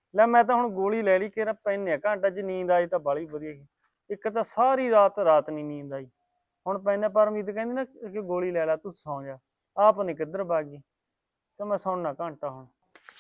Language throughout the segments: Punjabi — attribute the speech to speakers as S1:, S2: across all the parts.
S1: ਲੈ ਮੈਂ ਤਾਂ ਹੁਣ ਗੋਲੀ ਲੈ ਲਈ ਕਿਹੜਾ ਪੈਨੇ ਘੰਟਾ ਚ ਨੀਂਦ ਆਈ ਤਾਂ ਬਾਲੀ ਵਧੀਆ ਗਈ। ਇੱਕ ਤਾਂ ਸਾਰੀ ਰਾਤ ਨਹੀਂ ਨੀਂਦ ਆਈ। ਹੁਣ ਪੈਨੇ ਪਰਮਜੀਤ ਕਹਿੰਦੀ ਨਾ ਕਿ ਗੋਲੀ ਲੈ ਲੈ ਤੂੰ ਸੌਂ ਜਾ। ਆਪ ਨੀ ਕਿੱਧਰ ਭੱਗ ਗਈ ਤੇ ਮੈਂ ਸੌਣਾ ਘੰਟਾ ਹੁਣ।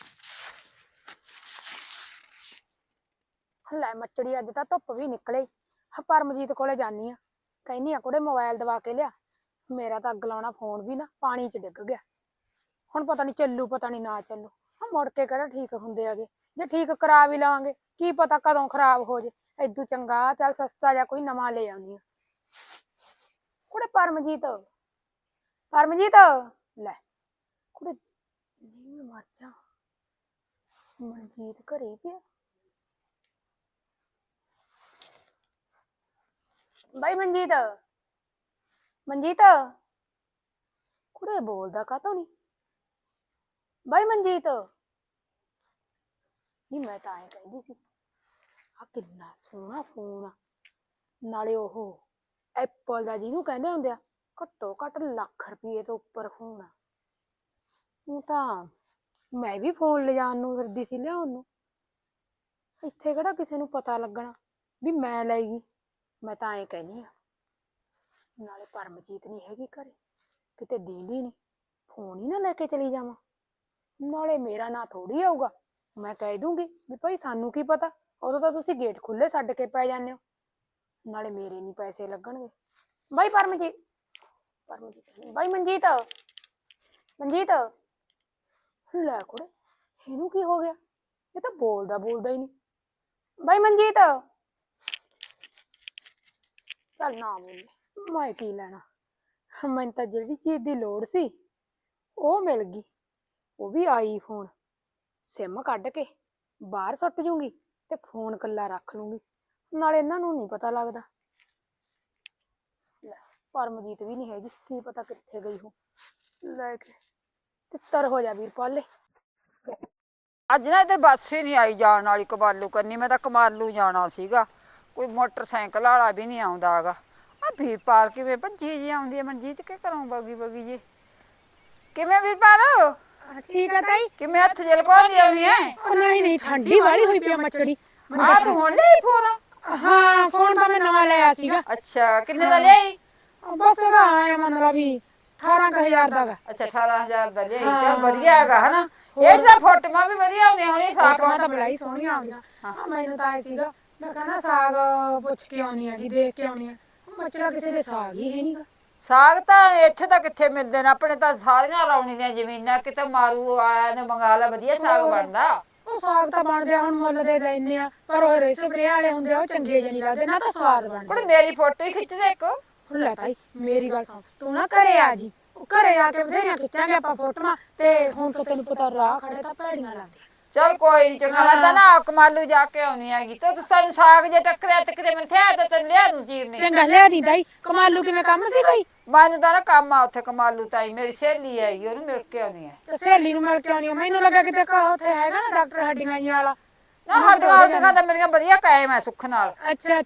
S2: ਲੈ ਮੱਚੜੀ ਅੱਜ ਤਾਂ ਧੁੱਪ ਵੀ ਨਿਕਲੇ। ਪਰਮਜੀਤ ਕੋਲੇ ਜਾਨੀ ਆ, ਕਹਿੰਦੀ ਆ ਕੁੜੇ ਮੋਬਾਈਲ ਦਵਾ ਕੇ ਲਿਆ। ਮੇਰਾ ਤਾਂ ਅੱਗ ਲਾਉਣਾ ਫੋਨ ਵੀ ਨਾ ਪਾਣੀ ਚ ਡਿੱਗ ਗਿਆ। ਹੁਣ ਪਤਾ ਨੀ ਚੱਲੂ ਪਤਾ ਨੀ ਨਾ ਚੱਲੂ। ਮੁੜ ਕੇ ਕਿਹੜਾ ਠੀਕ ਹੁੰਦੇ ਹੈਗੇ। ਜੇ ਠੀਕ ਕਰਾ ਵੀ ਲਵਾਂਗੇ ਕੀ ਪਤਾ ਕਦੋਂ ਖਰਾਬ ਹੋ ਜੇ। ਏਦੂ ਚੰਗਾ ਚੱਲ ਸਸਤਾ ਜਿਹਾ ਕੋਈ ਨਵਾਂ ਲੈ ਆਉਂਦੀ ਆ। ਕੁੜੇ ਪਰਮਜੀਤ ਪਰਮਜੀਤ ਲੈ ਕੁੜੇ ਨਹੀਂ ਮਰ ਜਾ। ਮਨਜੀਤ ਘਰੇ ਪਿਆ। ਬਾਈ ਮਨਜੀਤ ਮਨਜੀਤ ਕੁੜੇ ਬੋਲਦਾ ਕਾਤੋਂ ਨੀ। ਬਾਈ ਮਨਜੀਤ ਨਹੀਂ ਮੈਂ ਤਾਂ ਐਂ ਕਹਿੰਦੀ ਸੀ ਆ ਕਿੰਨਾ ਸੋਹਣਾ ਫੋਨ ਆ। ਨਾਲੇ ਉਹ ਐਪਲ ਦਾ ਜਿਹਨੂੰ ਕਹਿੰਦੇ ਹੁੰਦੇ ਆ ਘੱਟੋ ਘੱਟ ਲੱਖ ਰੁਪਏ ਤੋਂ ਉੱਪਰ ਫੋਨ ਆ। ਉਹ ਤਾਂ ਮੈਂ ਵੀ ਫੋਨ ਲਿਜਾਣ ਨੂੰ ਫਿਰਦੀ ਸੀ ਲਿਆਉਣ ਨੂੰ। ਇੱਥੇ ਕਿਹੜਾ ਕਿਸੇ ਨੂੰ ਪਤਾ ਲੱਗਣਾ ਵੀ ਮੈਂ ਲੈ ਗਈ। ਮੈਂ ਤਾਂ ਐਂ ਕਹਿੰਦੀ ਆ ਨਾਲੇ ਪਰਮਜੀਤ ਨਹੀਂ ਹੈਗੀ ਘਰੇ, ਕਿਤੇ ਦੀਂਦੀ ਨਹੀਂ, ਫੋਨ ਹੀ ਨਾ ਲੈ ਕੇ ਚਲੀ ਜਾਵਾਂ। ਨਾਲੇ ਮੇਰਾ ਨਾਂ ਥੋੜੀ ਆਊਗਾ। ਮੈਂ ਕਹਿ ਦੂੰਗੀ ਵੀ ਭਾਈ ਸਾਨੂੰ ਕੀ ਪਤਾ, ਉਦੋਂ ਤਾਂ ਤੁਸੀਂ ਗੇਟ ਖੁੱਲੇ ਛੱਡ ਕੇ ਪੈ ਜਾਂਦੇ ਹੋ। ਨਾਲੇ ਮੇਰੇ ਨਹੀਂ ਪੈਸੇ ਲੱਗਣਗੇ। ਬਾਈ ਪਰਮਜੀਤ ਬਾਈ ਮਨਜੀਤ ਮਨਜੀਤ ਲੈ ਕੁੜੇ ਇਹਨੂੰ ਕੀ ਹੋ ਗਿਆ। ਇਹ ਤਾਂ ਬੋਲਦਾ ਹੀ ਨਹੀਂ। ਬਾਈ ਮਨਜੀਤ ਚੱਲ ਨਾ ਬੋਲੇ, ਮੈਂ ਕੀ ਲੈਣਾ। ਮੈਨੂੰ ਤਾਂ ਜਿਹੜੀ ਚੀਜ਼ ਦੀ ਲੋੜ ਸੀ ਉਹ ਮਿਲ ਗਈ। ਉਹ ਵੀ ਆਈਫੋਨ। ਸਿਮ ਕੱਢ ਕੇ ਬਾਹਰ ਸੁੱਟ ਜੂੰਗੀ ਤੇ ਫੋਨ ਕੱਲਾ ਰੱਖ ਲੂੰਗੀ। ਨਾਲੇ ਇਹਨਾਂ ਨੂੰ ਨਹੀਂ ਪਤਾ ਲੱਗਦਾ। ਲੈ ਪਰਮਜੀਤ ਵੀ ਨਹੀਂ ਹੈਗੀ, ਕੀ ਪਤਾ ਕਿੱਥੇ ਗਈ ਹੋ। ਲੈ ਕੇ ਤਿੱਤਰ ਹੋ ਜਾ ਵੀਰਪਾਲੇ।
S3: ਅੱਜ ਨਾ ਇੱਧਰ ਬੱਸ ਹੀ ਨਹੀਂ ਆਈ ਜਾਣ ਵਾਲੀ ਕਮਾਲੂ ਕਰਨੀ। ਮੈਂ ਤਾਂ ਕਮਾਲੂ ਜਾਣਾ ਸੀਗਾ, ਕੋਈ ਮੋਟਰਸਾਈਕਲ ਵਾਲਾ ਵੀ ਨਹੀਂ ਆਉਂਦਾ ਹੈਗਾ। ਆ ਵੀਰਪਾਲ ਕਿਵੇਂ ਭੱਜੀ ਜੀ ਆਉਂਦੀ ਹੈ। ਮਨਜੀਤ ਕੇ ਘਰੋਂ ਬਗੀ ਜੀ ਕਿਵੇਂ ਵੀਰਪਾਲ?
S2: ਠੀਕ ਆ ਤਾਈ।
S3: ਕਿਵੇਂ ਹੱਥ ਜਲ ਕੋਲ ਆਉਣੀ ਹੈ?
S2: ਨਹੀਂ ਠੰਡੀ ਵਾਲੀ ਹੋਈ ਪਈ ਮੱਛੜੀ।
S3: ਆ ਤੂੰ ਹੁਣ ਲਈ ਫੋਨ?
S2: ਹਾਂ ਫੋਨ ਤਾਂ ਮੈਂ ਨਵਾਂ ਲਿਆ ਸੀਗਾ।
S3: ਅੱਛਾ ਕਿੰਨੇ ਦਾ ਲਿਆਈ?
S2: ਬਸ ਇਹਦਾ ਆਇਆ ਮਤਲਬ ਵੀ 18,000 ਦਾ।
S3: ਅੱਛਾ 18,000 ਦਾ ਲਿਆਈ। ਚੱਲ ਵਧੀਆ ਹੈਗਾ ਹਨਾ। ਇਹ ਤਾਂ ਫੋਟੋਆਂ ਵੀ ਵਧੀਆ ਆਉਂਦੀਆਂ ਹੋਣੀ। ਸਾਫ
S2: ਤਾਂ ਬਲਾਈ ਸੋਹਣੀਆਂ ਆਉਂਦੀਆਂ। ਮੈਨੂੰ ਤਾਂ ਆਇਆ ਸੀਗਾ ਮੈਂ ਕਹਿੰਦਾ ਸਾਗ ਪੁੱਛ ਕੇ ਆਉਣੀ ਹੈਗੀ, ਦੇਖ ਕੇ ਆਉਣੀ ਹੈ। ਮੱਛੜਾ ਕਿਸੇ ਦੇ ਸਾਗ ਹੀ ਹੈ ਨਹੀਂਗਾ।
S3: ਸਾਗ ਤਾਂ ਇੱਥੇ ਤਾਂ ਕਿੱਥੇ ਮਿਲਦੇ ਨੇ। ਆਪਣੇ ਤਾਂ ਸਾਰੀਆਂ ਲਾਉਣੀ ਦੀਆਂ ਜ਼ਮੀਨਾਂ। ਕਿਤੇ ਮਾਰੂ ਆਇਆ ਨੇ ਮੰਗਾ ਲਾ, ਵਧੀਆ ਸਾਗ ਬਣਦਾ।
S2: ਉਹ ਸਾਗ ਤਾਂ ਬਣਦੇ ਹੁਣ ਮੁੱਲ ਦੇ ਲੈਨੇ ਆ, ਪਰ ਉਹ ਰੇ ਸਪਰੇ ਵਾਲੇ ਹੁੰਦੇ ਆ ਉਹ ਚੰਗੇ ਜਿਹੇ ਨਹੀਂ ਲੱਗਦੇ ਨਾ ਤਾਂ ਸਵਾਦ ਬਣਦੇ।
S3: ਕੁੜੇ ਮੇਰੀ ਫੋਟੋ ਹੀ ਖਿੱਚ ਦੇ ਇੱਕ।
S2: ਲੈ ਤਾਈ ਮੇਰੀ ਗੱਲ ਸੁਣ, ਤੂੰ ਨਾ ਘਰੇ ਆ ਜੀ। ਘਰੇ ਆ ਕੇ ਬਥੇਰੀਆਂ ਖਿੱਚਾਂਗੇ ਆਪਾਂ ਫੋਟੋਆਂ। ਤੇ ਹੁਣ ਤਾਂ ਤੈਨੂੰ ਪਤਾ ਰਾਹ ਖੜੇ ਤਾਂ ਭੈੜੀਆਂ ਲੱਗਦੀਆਂ।
S3: ਚੱਲ ਕੋਈ ਨੀ ਚੰਗਾ। ਮੈਂ ਤਾਂ ਨਾ ਕਮਾਲੂ ਜਾ ਕੇ ਆਉਣੀ ਹੈਗੀ ਤੇ ਸਾਨੂੰ ਸਾਗ ਜੇ ਟੱਕਰਿਆ ਤੇ ਕਿਤੇ ਮੈਨੂੰ ਥਿਆ ਤਾਂ ਤੈਨੂੰ ਲਿਆ ਦੂੰ ਚੀਰਨੀ।
S2: ਚੰਗਾ ਲਿਆ ਦੀ ਤਾਈ। ਕਮਾਲੂ ਕਿਵੇਂ ਕੰਮ ਸੀ ਕੋਈ?
S3: ਮੈਨੂੰ ਤਾਂ ਨਾ ਕੰਮ ਆ ਉੱਥੇ ਕਮਾਲੂ ਤਾਈ ਮੇਰੀ ਸਹੇਲੀ ਹੈਗੀ, ਉਹਨੂੰ ਮਿਲ ਕੇ ਆਉਣੀ ਹੈ।
S2: ਤੇ ਸਹੇਲੀ ਨੂੰ ਮਿਲ ਕੇ ਆਉਣੀ ਆ। ਮੈਨੂੰ ਲੱਗਾ ਕਿਤੇ ਉੱਥੇ ਹੈਗਾ ਨਾ ਡਾਕਟਰ ਹੱਡੀਆਂ ਜੀ ਵਾਲਾ।
S3: ਨਾ ਹੱਡੀਆਂ ਤਾਂ ਮੇਰੀਆਂ ਵਧੀਆ ਕਾਇਮ ਹੈ ਸੁੱਖ ਨਾਲ।
S2: ਅੱਛਾ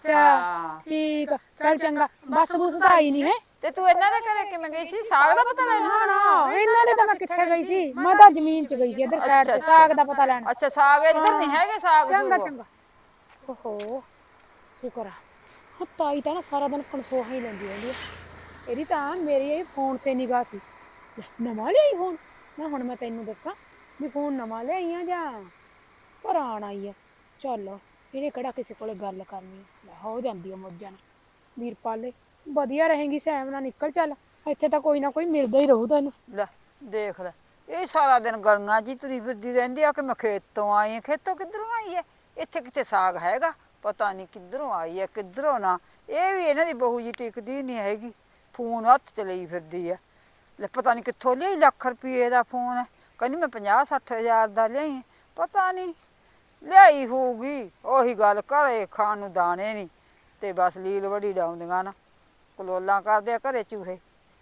S2: ਠੀਕ ਆ। ਚੱਲ ਚੰਗਾ। ਬੱਸ ਬੁਸ ਤਾਂ ਆਈ ਨਹੀਂ ਹੈ।
S3: ਤੇ ਤੂੰ ਇਹਨਾਂ ਦੇ ਘਰੇ ਕਿਵੇਂ ਗਈ ਸੀ? ਸਾਗ ਦਾ ਪਤਾ ਲੈਣਾ?
S2: ਨਾ ਇਹਨਾਂ ਦੇ ਤਾਂ ਮੈਂ ਕਿੱਥੇ ਗਈ ਸੀ। ਮੈਂ ਤਾਂ ਜ਼ਮੀਨ 'ਚ ਗਈ ਸੀ ਇੱਧਰ ਸਾਈਡ ਤੇ ਸਾਗ ਦਾ ਪਤਾ ਲੈਣ।
S3: ਅੱਛਾ ਸਾਗ ਇੱਧਰ ਨਹੀਂ ਹੈਗੇ ਸਾਗ?
S2: ਚੰਗਾ। ਓਹੋ ਸ਼ੁਕਰ ਆ। ਤਾਈ ਤਾਂ ਨਾ ਸਾਰਾ ਦਿਨ ਕਨਸੋਹਾ ਹੀ ਲੈਂਦੀ ਰਹਿੰਦੀ ਆ। ਇਹਦੀ ਤਾਂ ਮੇਰੀ ਇਹ ਫੋਨ ਤੇ ਨਿਗਾਹ ਸੀ। ਨਵਾਂ ਲਿਆਈ ਫੋਨ? ਹੁਣ ਮੈਂ ਤੈਨੂੰ ਦੱਸਾਂ ਵੀ ਫੋਨ ਨਵਾਂ ਲਿਆਈ ਆ ਜਾਂ ਪੁਰਾਣਾ ਹੀ ਆ। ਚੱਲ ਇਹਨੇ ਕਿਹੜਾ ਕਿਸੇ ਕੋਲੇ ਗੱਲ ਕਰਨੀ ਹੋ ਜਾਂਦੀ ਆ ਮੌਜਾਂ ਨੂੰ। ਵੀਰਪਾਲੇ ਵਧੀਆ ਰਹੇਗੀ, ਸੈਮ ਨਾਲ ਨਿਕਲ ਚੱਲ। ਇੱਥੇ ਤਾਂ ਕੋਈ ਨਾ ਕੋਈ ਮਿਲਦਾ ਹੀ ਰਹੂ ਤੈਨੂੰ।
S3: ਲੈ ਦੇਖ ਲੈ ਇਹ ਸਾਰਾ ਦਿਨ ਗਲੀਆਂ ਜੀ ਤੁਰੀ ਫਿਰਦੀ ਰਹਿੰਦੀ ਆ ਕਿ ਮੈਂ ਖੇਤੋਂ ਆਈ ਆ। ਖੇਤੋਂ ਕਿੱਧਰੋਂ ਆਈ ਹੈ? ਇੱਥੇ ਕਿਤੇ ਸਾਗ ਹੈਗਾ? ਪਤਾ ਨਹੀਂ ਕਿੱਧਰੋਂ ਆਈ ਹੈ ਕਿੱਧਰੋਂ ਨਾ। ਇਹ ਵੀ ਇਹਨਾਂ ਦੀ ਬਹੂ ਜੀ ਟਿਕਦੀ ਨਹੀਂ ਹੈਗੀ, ਫੋਨ ਹੱਥ 'ਚ ਲਈ ਫਿਰਦੀ ਆ। ਲੈ ਪਤਾ ਨਹੀਂ ਕਿੱਥੋਂ ਲਿਆਈ, ਲੱਖ ਰੁਪਏ ਦਾ ਫੋਨ ਹੈ। ਕਹਿੰਦੀ ਮੈਂ 50-60 ਹਜ਼ਾਰ ਦਾ ਲਿਆਈ। ਪਤਾ ਨਹੀਂ ਲਿਆਈ ਹੋਊਗੀ। ਉਹੀ ਗੱਲ ਘਰੇ ਖਾਣ ਨੂੰ ਦਾਣੇ ਨਹੀਂ ਤੇ ਬਸ ਲੀਲ ਵੜੀ ਡਾਉਂਦੀਆਂ ਨਾ, ਕਲੋਲਾਂ ਕਰਦੇ ਆ ਘਰੇ ਚੂਹੇ।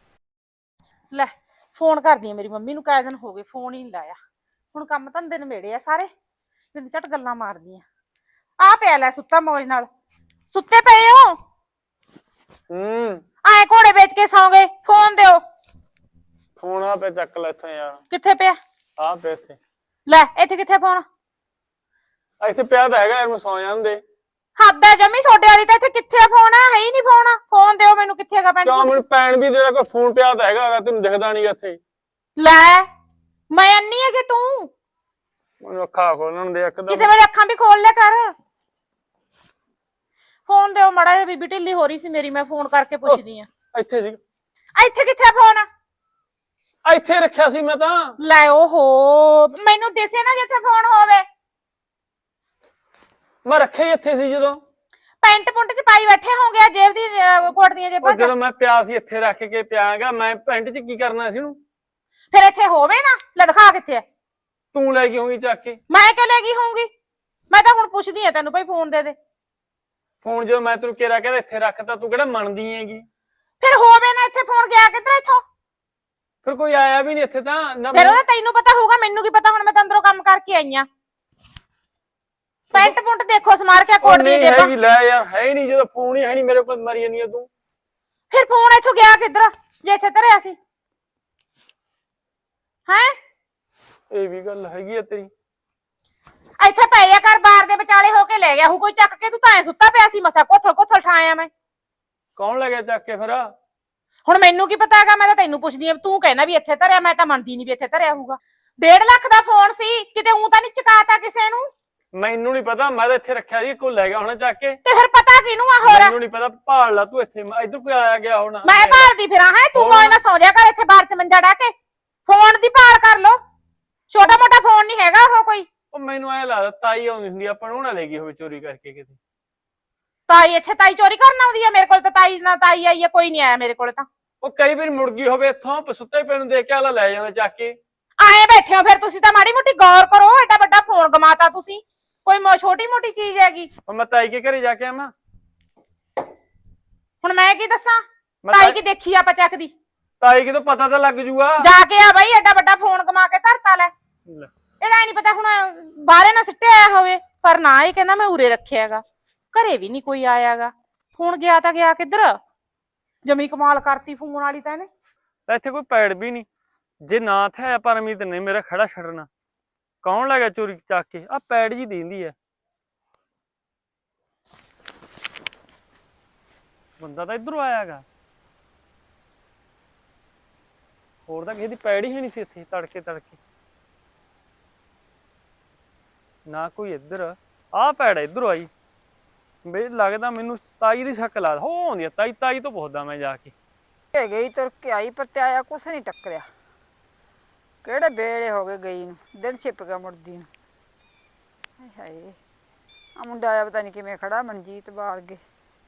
S4: ਲੈ ਫੋਨ ਕਰਦੀ ਆ ਮੇਰੀ ਮੰਮੀ ਨੂੰ, ਕਾਇ ਦਿਨ ਹੋ ਗਏ ਫੋਨ ਹੀ ਨਹੀਂ ਲਾਇਆ। ਹੁਣ ਕੰਮ ਧੰਦੇ ਨਵੇੜੇ ਆ ਸਾਰੇ, ਬਿੰਦ ਝਟ ਗੱਲਾਂ ਮਾਰਦੀ ਆ ਪਿਆ ਲੈ ਸੁੱਤਾ ਮੌਜ ਨਾਲ। ਸੁੱਤੇ ਪਏ ਹੋ? ਆਏ ਘੋੜੇ ਵੇਚ ਕੇ ਸੌਂ ਗਏ। ਫੋਨ ਦਿਓ।
S1: ਫੋਨ ਆ ਪਿਆ, ਚੱਕ ਲੈ ਇੱਥੋਂ ਯਾਰ।
S4: ਕਿੱਥੇ ਪਿਆ?
S1: ਆ ਪਿਆ ਇੱਥੇ।
S4: ਲੈ ਇੱਥੇ ਕਿੱਥੇ ਫੋਨ?
S1: ਇੱਥੇ ਪਿਆ ਤਾਂ ਹੈਗਾ ਯਾਰ, ਮੈਂ ਸੌ ਜਾਂਦੇ।
S4: ਹੱਦ ਹੈ ਜਮੀ ਤੁਹਾਡੇ ਵਾਲੀ ਤਾਂ। ਇੱਥੇ ਕਿੱਥੇ ਫੋਨ ਹੈ ਹੀ ਨਹੀਂ ਫੋਨ। ਫੋਨ ਦਿਓ ਮੈਨੂੰ, ਕਿੱਥੇ ਹੈਗਾ ਪੈਂਟ
S1: ਕਿਉਂ
S4: ਪੁੰਟ
S1: ਮੈਨੂੰ ਪੈਣ ਵੀ ਤੇਰਾ ਕੋਈ ਫੋਨ ਪਿਆ ਤਾਂ ਹੈਗਾ, ਤੈਨੂੰ ਦਿਖਦਾ ਨਹੀਂ ਇੱਥੇ।
S4: ਲੈ ਮੈਂ ਅੰਨੀ ਹੈ ਕਿ ਤੂੰ?
S1: ਮੈਨੂੰ ਅੱਖਾਂ ਖੋਲਣ ਦੇ ਇੱਕਦਮ।
S4: ਕਿਸੇ ਵੇਲੇ ਅੱਖਾਂ ਵੀ ਖੋਲ ਲਿਆ ਕਰ। ਫੋਨ ਦਿਓ ਮੜਾ ਜਿਹਾ, ਬੀਬੀ ਢਿੱਲੀ ਹੋ ਰਹੀ ਸੀ ਮੇਰੀ, ਮੈਂ ਫੋਨ ਕਰਕੇ ਪੁੱਛਦੀ ਆ।
S1: ਇੱਥੇ ਸੀ।
S4: ਇੱਥੇ ਕਿੱਥੇ ਫੋਨ?
S1: ਇੱਥੇ ਰੱਖਿਆ ਸੀ ਮੈਂ ਤਾਂ।
S4: ਲੈ ਓਹੋ, ਮੈਨੂੰ ਦਿਸੇ ਨਾ ਜਿੱਥੇ ਫੋਨ ਹੋਵੇ।
S1: ਮੈਂ ਰੱਖਿਆ ਹੀ ਇੱਥੇ ਸੀ ਜਦੋਂ।
S4: ਪੈਂਟ ਪੁੰਟ ਚ ਪਾਈ ਬੈਠੇ ਹੋਗੇ, ਜੇਬ ਦੀ ਕੋਟ ਦੀਆਂ ਜੇਬਾਂ ਚ।
S1: ਜਦੋਂ ਮੈਂ ਪਿਆ ਸੀ ਇੱਥੇ ਰੱਖ ਕੇ ਪਿਆਗਾ, ਮੈਂ ਪੈਂਟ 'ਚ ਕੀ ਕਰਨਾ ਸੀ ਉਹਨੂੰ?
S4: ਫਿਰ ਇੱਥੇ ਹੋਵੇ ਨਾ। ਲੈ ਦਿਖਾ ਕਿੱਥੇ ਹੈ।
S1: ਤੂੰ ਲੈ ਗਈ ਹੋਊਗੀ ਚੱਕ ਕੇ।
S4: ਮੈਂ ਕਿਉਂ ਲੈ ਗਈ ਹੋਊਂਗੀ? ਮੈਂ ਤਾਂ ਹੁਣ ਪੁੱਛਦੀ ਆ ਤੈਨੂੰ, ਭਾਈ ਫੋਨ ਦੇ ਦੇ।
S1: ਫੋਨ ਜਦੋਂ ਮੈਂ ਤੈਨੂੰ ਕਿਹਾ ਕਹਿੰਦਾ ਇੱਥੇ ਰੱਖਤਾ, ਤੂੰ ਕਿਹੜਾ ਮੰਨਦੀ ਹੈਗੀ?
S4: ਫਿਰ ਹੋਵੇ ਨਾ ਇੱਥੇ ਫੋਨ, ਗਿਆ ਕਿੱਧਰ ਇੱਥੋਂ?
S1: ਫਿਰ ਕੋਈ ਆਇਆ ਵੀ ਨਹੀਂ ਇੱਥੇ ਤਾਂ ਨਾ।
S4: ਫਿਰ ਉਹਦਾ ਤੈਨੂੰ ਪਤਾ ਹੋਊਗਾ, ਮੈਨੂੰ ਕੀ ਪਤਾ। ਹੁਣ ਮੈਂ ਤਾਂ ਅੰਦਰੋਂ ਕੰਮ ਕਰਕੇ ਆਈ ਆ। ਪੈਂਟ ਪੁੰਟ ਦੇਖੋ ਸਮਾਰ ਕੇ ਕੋਟ ਦੀਆਂ ਜੇਬਾਂ।
S1: ਲੈ ਯਾਰ, ਹੈ ਹੀ ਨਹੀਂ ਜਦੋਂ ਫੋਨ ਹੀ ਹੈ ਨਹੀਂ ਮੇਰੇ ਕੋਲ, ਮਰੀ ਜਾਂਦੀ ਤੂੰ।
S4: ਫਿਰ ਫੋਨ ਇੱਥੋਂ ਗਿਆ ਕਿੱਧਰ ਜੇ ਇੱਥੇ ਧਰਿਆ ਸੀ? ਹੈ
S1: ਇਹ ਵੀ ਗੱਲ ਹੈਗੀ ਆ ਤੇਰੀ।
S4: ਇੱਥੇ ਪੈ ਜਾ ਕਰ, ਬਾਰ ਦੇ ਵਿਚਾਲੇ ਹੋ ਕੇ ਲੈ ਗਿਆ ਹੂ ਕੋਈ ਚੱਕ ਕੇ। ਤੂੰ ਤਾਂ ਐ ਸੁੱਤਾ ਪਿਆ ਸੀ, ਮਸਾ ਕੋਥਲ ਕੋਥਲ ਠਾਇਆ ਮੈਂ।
S1: ਕੌਣ ਲੈ ਗਿਆ ਚੱਕ ਕੇ ਫਿਰ?
S4: ਹੁਣ ਮੈਨੂੰ ਕੀ ਪਤਾ ਹੈਗਾ, ਮੈਂ ਤਾਂ ਤੈਨੂੰ ਪੁੱਛਦੀ ਆ। ਤੂੰ ਕਹਿਣਾ ਵੀ ਇੱਥੇ ਧਰਿਆ, ਮੈਂ ਤਾਂ ਮੰਨਦੀ ਨਹੀਂ ਵੀ ਇੱਥੇ ਧਰਿਆ ਹੋਊਗਾ। 1.5 ਲੱਖ ਦਾ ਫੋਨ ਸੀ, ਕਿਤੇ ਊਂ ਤਾਂ ਨਹੀਂ ਚਕਾਤਾ ਕਿਸੇ ਨੂੰ?
S1: ਮੈਨੂੰ ਨਹੀਂ ਪਤਾ, ਮੈਂ ਤਾਂ ਇੱਥੇ ਰੱਖਿਆ ਸੀ, ਕੋਈ ਲੈ ਗਿਆ ਹੋਣਾ ਚੱਕ ਕੇ।
S4: ਤੇ ਫਿਰ ਪਤਾ ਕਿਹਨੂੰ ਆ ਹੋਰ?
S1: ਮੈਨੂੰ ਨਹੀਂ ਪਤਾ, ਭਾਲ ਲਾ ਤੂੰ ਇੱਥੇ, ਇੱਧਰ ਕੋਈ ਆਇਆ ਗਿਆ ਹੋਣਾ।
S4: ਮੈਂ ਭਾਲਦੀ ਫਿਰਾਂ ਹੈ? ਤੂੰ ਮੋਏ ਨਾ ਸੌ ਜਾ ਕਰ ਇੱਥੇ ਬਾਹਰ ਚ ਮੰਜਾ ਡਾ ਕੇ। ਫੋਨ ਦੀ ਭਾਲ ਕਰ ਲੋ। ਛੋਟਾ ਮੋਟਾ ਫੋਨ ਨਹੀਂ ਹੈਗਾ ਉਹ ਕੋਈ।
S1: ਉਹ ਮੈਨੂੰ ਐ ਲੱਗਦਾ ਤਾਈ ਆਉਂਦੀ ਹੁੰਦੀ, ਆਪਾਂ ਨੂੰ ਨਾ ਲੈ ਗਈ ਹੋਵੇ ਚੋਰੀ ਕਰਕੇ ਕਿਤੇ।
S4: ਤਾਈ ਇੱਥੇ ਤਾਈ ਚੋਰੀ ਕਰਨ ਆਉਂਦੀ ਆ? ਮੇਰੇ ਕੋਲ ਤਾਂ ਤਾਈ ਨਾ ਤਾਈ ਆਈ ਆ, ਕੋਈ ਨਹੀਂ ਆਇਆ ਮੇਰੇ ਕੋਲ ਤਾਂ।
S1: ਉਹ ਕਈ ਵਾਰੀ ਮੁੜ ਗਈ ਹੋਵੇ ਇੱਥੋਂ, ਸੁੱਤੇ ਪਏ ਨੂੰ ਦੇਖ ਕੇ ਆਲਾ ਲੈ ਜਾਂਦਾ ਚੱਕ ਕੇ।
S4: ਆਏ ਬੈਠੇ ਹੋ ਫਿਰ ਤੁਸੀਂ ਤਾਂ, ਮਾੜੀ ਮੋਟੀ ਗੌਰ ਕਰੋ। ਐਡਾ ਵੱਡਾ ਫੋਨ ਗਮਾਤਾ ਤੁਸੀਂ। ਕੋਈ ਛੋਟੀ ਮੋਟੀ ਚੀਜ਼ ਹੈਗੀ?
S1: ਮੈਂ ਤਾਈ ਕੇ ਘਰੇ ਜਾ ਕੇ ਆਵਾਂ?
S4: ਹੁਣ ਮੈਂ ਕੀ ਦੱਸਾਂ?
S1: ਮੈਂ
S4: ਤਾਈ ਕੀ ਦੇਖੀ ਆਪਾਂ ਚੱਕਦੀ?
S1: ਤਾਈ ਕਿਤੋਂ ਪਤਾ ਤਾਂ ਲੱਗ ਜੂਗਾ।
S4: ਜਾ ਕੇ ਆ ਬਈ, ਐਡਾ ਵੱਡਾ ਫੋਨ ਗਮਾ ਕੇ ਧਰਤਾ। ਲੈ ਇਹਦਾ ਨਹੀਂ ਪਤਾ ਹੁਣ ਬਾਹਰੇ ਨਾ ਸਿੱਟਿਆ ਆਇਆ ਹੋਵੇ। ਪਰ ਨਾ, ਇਹ ਕਹਿੰਦਾ ਮੈਂ ਉਰੇ ਰੱਖਿਆਗਾ। ਘਰੇ ਵੀ ਨਹੀਂ ਕੋਈ ਆਇਆਗਾ। ਫੋਨ ਗਿਆ ਤਾਂ ਗਿਆ ਕਿੱਧਰ? ਜਮੀ ਕਮਾਲ ਕਰਤੀ ਫੋਨ ਵਾਲੀ ਤਾਂ ਇਹਨੇ।
S1: ਇੱਥੇ ਕੋਈ ਪੈੜ ਵੀ ਨਹੀਂ। ਜੇ ਨਾ ਥਿਆ ਪਰਮੀਤ ਨੇ ਮੇਰਾ ਖੜਾ ਛੱਡਣਾ। ਕੌਣ ਲੈ ਗਿਆ ਚੋਰੀ ਚੱਕ ਕੇ? ਆ ਪੈੜ ਜੀ ਦਿੰਦੀ ਹੈ। ਬੰਦਾ ਤਾਂ ਇਧਰੋਂ ਆਇਆਗਾ। ਹੋਰ ਤਾਂ ਕਿਸੇ ਦੀ ਪੈੜ ਹੀ ਨਹੀਂ ਸੀ ਇੱਥੇ। ਤੜਕੇ ਤੜਕੇ ਨਾ ਕੋਈ ਇੱਧਰ। ਆਹ ਪੈੜ ਇੱਧਰੋਂ ਆਈ। ਬੇ ਲੱਗਦਾ ਮੈਨੂੰ ਤਾਈ ਦੀ ਸ਼ੱਕ ਲਾ। ਹੋ ਆਉਂਦੀ ਆ ਤਾਈ। ਤਾਈ ਤੋਂ ਪੁੱਛਦਾ ਮੈਂ ਜਾ ਕੇ।
S3: ਗਈ ਤੁਰ ਕੇ ਆਈ, ਪਰ ਤੇ ਆਇਆ ਕੁਛ ਨਹੀਂ ਟੱਕਰਿਆ। ਕਿਹੜੇ ਵੇਲੇ ਹੋ ਗਏ ਗਈ ਨੂੰ, ਦਿਨ ਛਿਪ ਗਿਆ ਮੁੜਦੀ ਨੂੰ। ਹਾਏ ਆ ਮੁੰਡਾ ਆਇਆ ਪਤਾ ਨਹੀਂ ਕਿਵੇਂ ਖੜਾ, ਮਨਜੀਤ ਬਾਲ ਗਏ।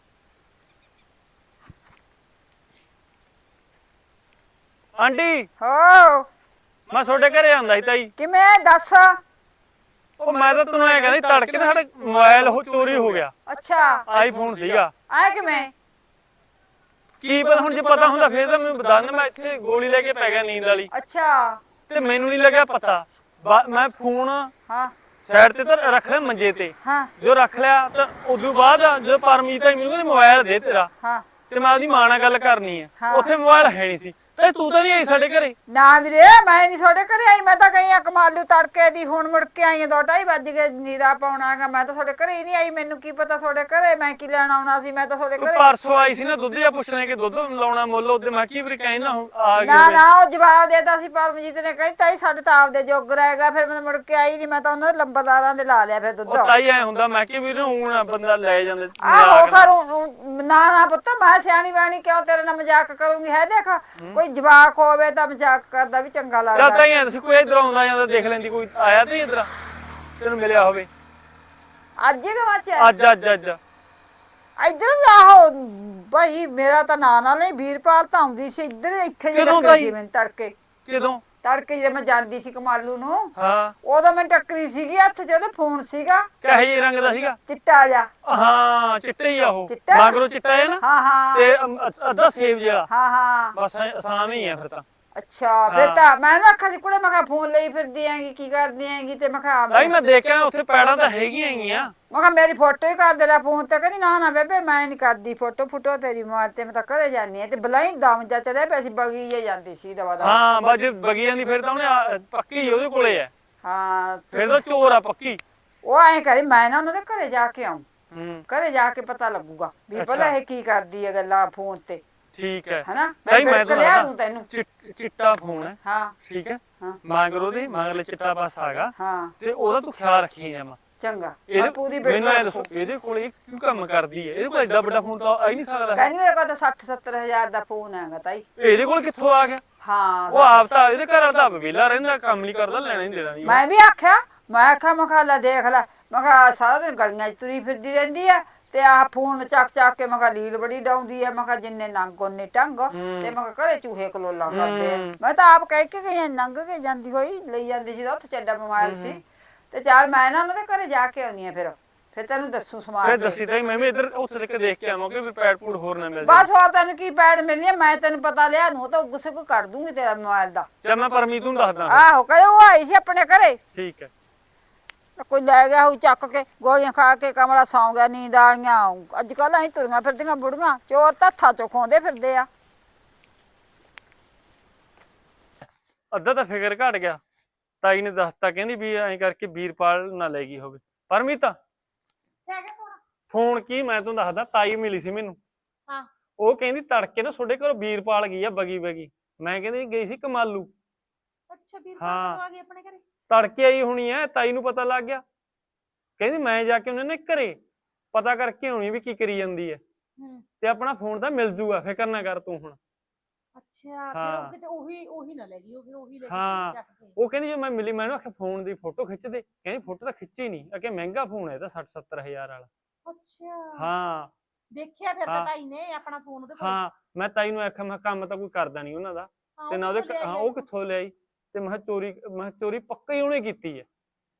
S1: ਆਂਟੀ
S3: ਹੋ
S1: ਮੈਂ ਤੁਹਾਡੇ ਘਰੇ ਆਂਦਾ ਸੀ ਤਾਈ।
S3: ਕਿਵੇਂ ਦੱਸ?
S1: ਉਹ ਮੈਂ ਤਾਂ ਤੈਨੂੰ ਐ ਕਹਿੰਦੀ, ਤੜਕੇ ਨਾ ਸਾਡਾ ਮੋਬਾਈਲ ਉਹ ਚੋਰੀ ਹੋ ਗਿਆ।
S3: ਅੱਛਾ,
S1: ਆਈਫੋਨ ਸੀਗਾ।
S3: ਆਇਆ ਕਿਵੇਂ?
S1: ਕੀ ਪਤਾ, ਹੁਣ ਜੇ ਪਤਾ ਹੁੰਦਾ ਫੇਰ ਤਾਂ ਮੈਨੂੰ ਦੱਸ। ਮੈਂ ਇੱਥੇ ਗੋਲੀ ਲੈ ਕੇ ਪੈ ਗਿਆ ਨੀਂਦ ਵਾਲੀ,
S3: ਅੱਛਾ
S1: ਤੇ ਮੈਨੂੰ ਨਹੀਂ ਲੱਗਿਆ ਪਤਾ। ਮੈਂ ਫੋਨ
S3: ਹਾਂ
S1: ਸਾਈਡ ਤੇ ਤਾਂ ਰੱਖ ਲਿਆ ਮੰਜੇ ਤੇ।
S3: ਹਾਂ
S1: ਜੋ ਰੱਖ ਲਿਆ ਤਾਂ ਉਦੋਂ ਬਾਅਦ ਜਦੋਂ ਪਰਮੀਤ ਆਈ ਮੈਨੂੰ ਕਹਿੰਦੀ ਮੋਬਾਈਲ ਦੇ ਤੇਰਾ,
S3: ਹਾਂ
S1: ਤੇ ਮੈਂ ਉਹਦੀ ਮਾਂ ਨਾਲ ਗੱਲ ਕਰਨੀ ਹੈ।
S3: ਹਾਂ।
S1: ਉੱਥੇ ਮੋਬਾਈਲ ਹੈ ਨਹੀਂ ਸੀ। ਤੇ ਤੂੰ ਤਾਂ ਨਹੀਂ ਆਈ ਸਾਡੇ ਘਰੇ?
S3: ਨਾ ਵੀਰੇ, ਮੈਂ ਨਹੀਂ ਤੁਹਾਡੇ ਘਰੇ ਆਈ। ਮੈਂ ਤਾਂ ਗਈ ਆ ਕਮਾਲੂ ਤੜਕੇ ਦੀ, ਹੁਣ ਮੁੜ ਕੇ ਆਈ ਆ। 2:30 ਵੱਜ ਗਏ ਨੀਰਾ ਪਾਉਣਾਗਾ। ਮੈਂ ਤਾਂ ਤੁਹਾਡੇ ਘਰੇ ਹੀ ਨਹੀਂ ਆਈ। ਮੈਨੂੰ ਕੀ ਪਤਾ ਤੁਹਾਡੇ ਘਰੇ ਮੈਂ ਕੀ ਲੈਣ ਆਉਣਾ ਸੀ। ਮੈਂ ਤਾਂ ਤੁਹਾਡੇ
S1: ਤੂੰ
S3: ਘਰੇ
S1: ਪਰਸੋਂ ਆਈ ਸੀ ਨਾ ਦੁੱਧ ਜਾਂ ਪੁੱਛਣੇ ਕਿ ਦੁੱਧ ਲਾਉਣਾ ਮੁੱਲ। ਉਹਦੇ ਮੈਂ ਕੀ ਵੀ ਕਹਿੰਦਾ ਆ ਗਈ
S3: ਨਾ
S1: ਹੋਵੇ।
S3: ਨਾ, ਉਹ ਜਵਾਬ ਦੇਤਾ ਸੀ ਪਰਮਜੀਤ ਨੇ। ਕਹਿੰਦੀ ਤਾਈ ਸਾਡੇ ਤਾਂ ਆਪਦੇ ਜੋਗਰ ਹੈਗਾ। ਫਿਰ ਮੈਂ ਮੁੜ ਕੇ ਆਈ ਨਹੀਂ। ਮੈਂ ਤਾਂ ਉਹਨਾਂ ਦੇ ਲੰਬਰਦਾਰਾਂ ਦੇ ਲਾ ਲਿਆ ਫਿਰ ਦੁੱਧ।
S1: ਉਹ ਤਾਈ ਐ ਹੁੰਦਾ, ਮੈਂ ਕਿ ਵੀ ਹੁਣ ਬੰਦਾ ਲੈ ਜਾਂਦਾ।
S3: ਆਹੋ ਕਰੂੰ ਨਾ ਨਾ ਪੁੱਤ, ਮੈਂ ਸਿਆਣੀ ਬਾਣੀ ਕਿਉਂ ਤੇਰੇ ਨਾਲ ਮਜ਼ਾਕ ਕਰੂੰਗੀ? ਹੈ ਦੇਖ, ਕੋਈ ਜਵਾਕ ਹੋਵੇ ਤਾਂ ਮਜ਼ਾਕ ਕਰਦਾ ਵੀ ਚੰਗਾ
S1: ਚੱਲ
S3: ਲੱਗਦਾ।
S1: ਤਾਈ ਐ ਤੁਸੀਂ ਕੋਈ ਇਧਰ ਆਉਂਦਾ ਜਾਂਦਾ ਦੇਖ ਲੈਂਦੀ। ਕੋਈ ਆਇਆ ਤੇ ਇਧਰ ਤੈਨੂੰ ਮਿਲਿਆ ਹੋਵੇ?
S3: ਅੱਜ ਹੀ ਗਵਾਚਿਆ?
S1: ਅੱਜ ਅੱਜ ਅੱਜ
S3: ਇੱਧਰ ਆਹੋ ਭਾਈ, ਮੇਰਾ ਤਾਂ ਨਾਂ ਨਾਲ ਨਹੀਂ। ਵੀਰਪਾਲ ਤਾਂ ਆਉਂਦੀ ਸੀ ਇੱਧਰ। ਇੱਥੇ ਜੇ
S1: ਕਦੋਂ
S3: ਟੱਕਰੀ ਸੀ
S1: ਤਾਈ?
S3: ਮੈਨੂੰ ਤੜਕੇ।
S1: ਕਿਦੋਂ?
S3: ਤੜਕੇ ਜੇ ਮੈਂ ਜਾਂਦੀ ਸੀ ਕਮਾਲੂ ਨੂੰ,
S1: ਹਾਂ।
S3: ਉਦੋਂ ਮੈਂ ਟੱਕਰੀ ਸੀਗੀ। ਹੱਥ 'ਚ ਉਹਦਾ ਫੋਨ ਸੀਗਾ,
S1: ਕਹੇ ਜਿਹੇ ਰੰਗ ਦਾ ਸੀਗਾ?
S3: ਚਿੱਟਾ ਜਿਹਾ।
S1: ਹਾਂ ਚਿੱਟੇ ਹੀ ਆ ਉਹ।
S3: ਚਿੱਟਾ?
S1: ਮਗਰੋਂ ਚਿੱਟਾ ਹੈ ਨਾ,
S3: ਹਾਂ ਹਾਂ
S1: ਤੇ ਅੱਧਾ ਸੇਬ ਜਿਹਾ।
S3: ਹਾਂ ਹਾਂ
S1: ਬਸ ਆਸਾਮ ਹੀ ਆ ਫਿਰ ਤਾਂ।
S3: ਅੱਛਾ, ਫਿਰ ਤਾਂ ਮੈਂ ਨਾ ਆਖਿਆ ਸੀ ਕੁੜੇ, ਮੈਂ ਕਿਹਾ ਫੋਨ ਲਈ ਫਿਰਦੀ ਆਂਗੀ, ਕੀ ਕਰਦੀ ਆਂਗੀ? ਤੇ ਮੈਂ ਕਿਹਾ
S1: ਤਾਈ ਮੈਂ ਦੇਖਿਆ ਉੱਥੇ ਪੈੜਾਂ ਤਾਂ ਹੈਗੀਆਂ ਹੈਗੀਆਂ।
S3: ਮੈਂ ਕਿਹਾ ਮੇਰੀ ਫੋਟੋ ਹੀ ਕਰ ਦੇ ਲੈ ਫੋਨ ਤੇ। ਕਹਿੰਦੀ ਨਾ ਨਾ ਬੇਬੇ, ਮੈਂ ਨਹੀਂ ਕਰਦੀ ਫੋਟੋ ਫੁਟੋ ਤੇਰੀ ਮਾਰ ਤੇ। ਮੈਂ ਤਾਂ ਘਰੇ ਜਾਂਦੀ ਆ। ਤੇ ਬਲਾਈ ਦਮ ਜਾ ਚਲੇ ਪਈ ਸੀ, ਬਗੀ ਜੇ ਜਾਂਦੀ ਸੀ ਦਵਾ ਦਵਾ।
S1: ਹਾਂ ਬਸ ਜੇ ਬਗੀ ਜਾਂਦੀ ਫਿਰ ਤਾਂ ਉਹਨੇ ਪੱਕੀ ਉਹਦੇ ਕੋਲੇ ਆ।
S3: ਹਾਂ
S1: ਫਿਰ ਤਾਂ ਚੋਰ ਆ ਪੱਕੀ।
S3: ਉਹ ਐਂ ਕਰੀ ਮੈਂ ਨਾ ਉਹਨਾਂ ਦੇ ਘਰੇ ਜਾ ਕੇ ਆਉਂ,
S1: ਹੂੰ
S3: ਘਰੇ ਜਾ ਕੇ ਪਤਾ ਲੱਗੂਗਾ ਵੀ ਭਲਾ
S1: ਅੱਛਾ।
S3: ਇਹ ਕੀ ਕਰਦੀ ਹੈ ਗੱਲਾਂ ਫੋਨ ਤੇ,
S1: ਠੀਕ ਹੈ।
S3: ਹਨਾ
S1: ਤਾਈ ਮੈਂ
S3: ਬਿਲਕੁਲ
S1: ਤਾਂ
S3: ਲਿਆ
S1: ਦੱਸਦਾ,
S3: ਦੂੰ ਤੈਨੂੰ।
S1: ਚਿੱਟਾ ਫੋਨ ਹੈ,
S3: ਹਾਂ
S1: ਠੀਕ ਹੈ,
S3: ਹਾਂ
S1: ਮਗਰ ਉਹਦੇ ਮਗਰਲੇ ਚਿੱਟਾ ਪਾਸਾ ਹੈਗਾ,
S3: ਹਾਂ
S1: ਤੇ ਉਹਦਾ ਤੂੰ ਖਿਆਲ ਰੱਖੀ ਜਾਵਾਂ।
S3: ਚੰਗਾ
S1: ਇਹਦੇ
S3: ਪੂਰੀ
S1: ਮੈਨੂੰ ਐ
S3: ਬਿਲਕੁਲ
S1: ਦੱਸੋ ਇਹਦੇ ਕੋਲ ਇਹ ਕਿਉਂ ਕੰਮ ਕਰਦੀ ਹੈ? ਇਹਦੇ ਕੋਲ ਐਡਾ ਵੱਡਾ ਫੋਨ ਤਾਂ ਆ ਹੀ ਨਹੀਂ ਸਕਦਾ।
S3: ਕਹਿੰਦੀ ਮੇਰੇ ਕੋਲ ਤਾਂ 60-70 ਹਜ਼ਾਰ ਦਾ ਫੋਨ ਹੈਗਾ ਤਾਈ।
S1: ਇਹਦੇ ਕੋਲ ਕਿੱਥੋਂ ਆ ਗਿਆ?
S3: ਹਾਂ
S1: ਉਹ ਆਪ ਤਾਂ ਇਹਦੇ ਘਰ ਵਾਲਾ ਤਾਂ ਵਿਹਲਾ ਰਹਿੰਦਾ, ਕੰਮ ਨਹੀਂ ਕਰਦਾ, ਲੈਣਾ ਨਹੀਂ ਦੇਣਾ ਨਹੀਂ।
S3: ਮੈਂ ਵੀ ਆਖਿਆ, ਮੈਂ ਕਿਹਾ ਲੈ ਦੇਖ ਲੈ, ਮੈਂ ਕਿਹਾ ਸਾਰਾ ਦਿਨ ਗਲੀਆਂ 'ਚ ਤੁਰੀ ਫਿਰਦੀ ਰਹਿੰਦੀ ਆ ਤੇ ਆਹ ਫੋਨ ਚੱਕ ਕੇ ਮੈਂ ਕਿਹਾ ਲੀਲ ਬੜੀ ਡਾਉਂਦੀ ਆ, ਮੈਂ ਕਿਹਾ ਜਿੰਨੇ ਨੰਗ ਉਹਨੇ ਟੰਗ, ਤੇ ਮੈਂ ਕਿਹਾ ਘਰੇ ਚੂਹੇ ਕਲੋਲਾ ਕਰਦੇ ਆ। ਮੈਂ ਤਾਂ ਆਪ ਕਹਿ ਕੇ ਗਈ ਨੰਗ ਕੇ ਜਾਂਦੀ ਹੋਈ ਲਈ ਜਾਂਦੀ ਸੀ, ਉੱਥੇ ਚੱਡਾ ਮੋਬਾਈਲ ਸੀ, ਤੇ ਚੱਲ ਮੈਂ ਨਾ ਉਹਨਾਂ ਦੇ ਘਰੇ ਜਾ ਕੇ ਆਉਣੀ ਆ, ਫਿਰ ਤੈਨੂੰ ਦੱਸੂ ਸਮਾਨ।
S1: ਫਿਰ ਦੱਸੀ ਤਾਂ ਮੈਂ ਵੀ ਇੱਧਰ ਉੱਥੇ ਤੱਕ ਦੇਖ ਕੇ ਆਵਾਂਗੇ ਵੀ ਪੈਡ ਪੂਡ ਹੋਰ ਨਾ ਮਿਲ
S3: ਬਸ ਹੋਰ ਤੈਨੂੰ ਕੀ ਪੈੜ ਮਿਲਣੀ ਆ, ਮੈਂ ਤੈਨੂੰ ਪਤਾ ਲਿਆ ਨੂੰ ਤਾਂ ਗੁੱਸੇ ਕੋ ਕੱਢ ਦੂੰਗੀ ਤੇਰਾ ਮੋਬਾਈਲ ਦਾ।
S1: ਚੱਲ ਮੈਂ ਪਰਮੀਤ ਨੂੰ ਦੱਸਦਾ।
S3: ਆਹੋ ਕਹੇ ਉਹ ਆਈ ਸੀ ਆਪਣੇ ਘਰੇ,
S1: ਠੀਕ ਹੈ।
S3: ਕੋਈ ਲੈ ਗਿਆ ਉਹ ਚੱਕ ਕੇ ਗੋਲੀਆਂ ਖਾ ਕੇ ਕਮਲਾ ਸੌਂ ਗਿਆ, ਨੀਂਦ ਆਲੀਆਂ। ਅੱਜ ਕੱਲ੍ਹ ਅਸੀਂ ਤੁਰੀਆਂ ਫਿਰਦੀਆਂ ਬੁੜੀਆਂ, ਚੋਰ ਤਾਂ ਹੱਥਾਂ ਚੋਂ ਖੋਂਦੇ ਫਿਰਦੇ ਆ।
S1: ਅੱਧਾ ਤਾਂ ਫਿਕਰ ਘਟ ਗਿਆ, ਤਾਈ ਨੇ ਦੱਸਤਾ, ਕਹਿੰਦੀ ਵੀ ਐਂ ਕਰਕੇ ਵੀਰਪਾਲ ਨਾ ਲੈ ਗਈ ਹੋਵੇ। ਪਰਮੀਤ ਫੋਨ ਕੀ, ਮੈਂ ਤੁਹਾਨੂੰ ਦੱਸਦਾ, ਤਾਈ ਮਿਲੀ ਸੀ ਮੈਨੂੰ,
S4: ਹਾਂ
S1: ਉਹ ਕਹਿੰਦੀ ਤੜਕੇ ਨਾ ਤੁਹਾਡੇ ਘਰੋਂ ਵੀਰਪਾਲ ਗਈ ਆ ਬਗੀ ਬਗੀ। ਮੈਂ ਕਹਿੰਦੀ ਗਈ ਸੀ ਕਮਾਲੂ।
S4: ਅੱਛਾ
S1: ਹਾਂ।
S4: ਵੀਰਪਾਲ ਆ ਗਈ ਆਪਣੇ ਘਰੇ?
S1: ਤੜਕੇ ਆਈ ਹੋਣੀ ਐ, ਤਾਈ ਨੂੰ ਪਤਾ ਲੱਗ ਗਿਆ, ਕਹਿੰਦੀ ਮੈਂ ਜਾ ਕੇ ਉਹਨਾਂ ਨੇ ਘਰੇ ਪਤਾ ਕਰਕੇ ਆਉਣੀ ਵੀ ਕੀ ਕਰੀ ਜਾਂਦੀ ਐ, ਤੇ ਆਪਣਾ ਫੋਨ ਤਾਂ ਮਿਲ ਜੂਗਾ, ਫਿਕਰ ਨਾ ਕਰ ਤੂੰ ਹੁਣ।
S4: ਅੱਛਾ ਫਿਰ
S1: ਹਾਂ।
S4: ਉਹ ਕਿਤੇ ਉਹੀ ਨਾ ਲੈ ਗਈ, ਉਹ ਫਿਰ ਉਹੀ ਲੈ
S1: ਹਾਂ।
S4: ਕੇ ਚੱਕ ਕੇ।
S1: ਉਹ ਕਹਿੰਦੀ ਜੇ ਮੈਂ ਮਿਲੀ, ਮੈਨੂੰ ਆਖਿਆ ਫੋਨ ਦੀ ਫੋਟੋ ਖਿੱਚ ਦੇ, ਕਹਿੰਦੀ ਫੋਟੋ ਤਾਂ ਖਿੱਚੀ ਨਹੀਂ, ਅਕੇ ਮਹਿੰਗਾ ਫੋਨ ਹੈ ਇਹਦਾ 60-70 ਹਜ਼ਾਰ ਵਾਲਾ।
S4: ਅੱਛਾ
S1: ਹਾਂ
S4: ਦੇਖਿਆ ਫਿਰ ਤਾਂ
S1: ਹਾਂ।
S4: ਤਾਈ ਨੇ ਆਪਣਾ ਫੋਨ ਉਹਦੇ ਕੋਲ।
S1: ਹਾਂ ਮੈਂ ਤਾਈ ਨੂੰ ਆਖਿਆ, ਮੈਂ ਕੰਮ ਤਾਂ ਕੋਈ ਕਰਦਾ ਨਹੀਂ ਉਹਨਾਂ ਦਾ, ਤੇ ਨਾ ਉਹਦੇ ਹਾਂ ਉਹ ਕਿੱਥੋਂ ਲਿਆਈ, ਤੇ ਮੈਂ ਕਿਹਾ ਚੋਰੀ ਪੱਕਾ ਹੀ ਉਹਨੇ ਕੀਤੀ ਹੈ।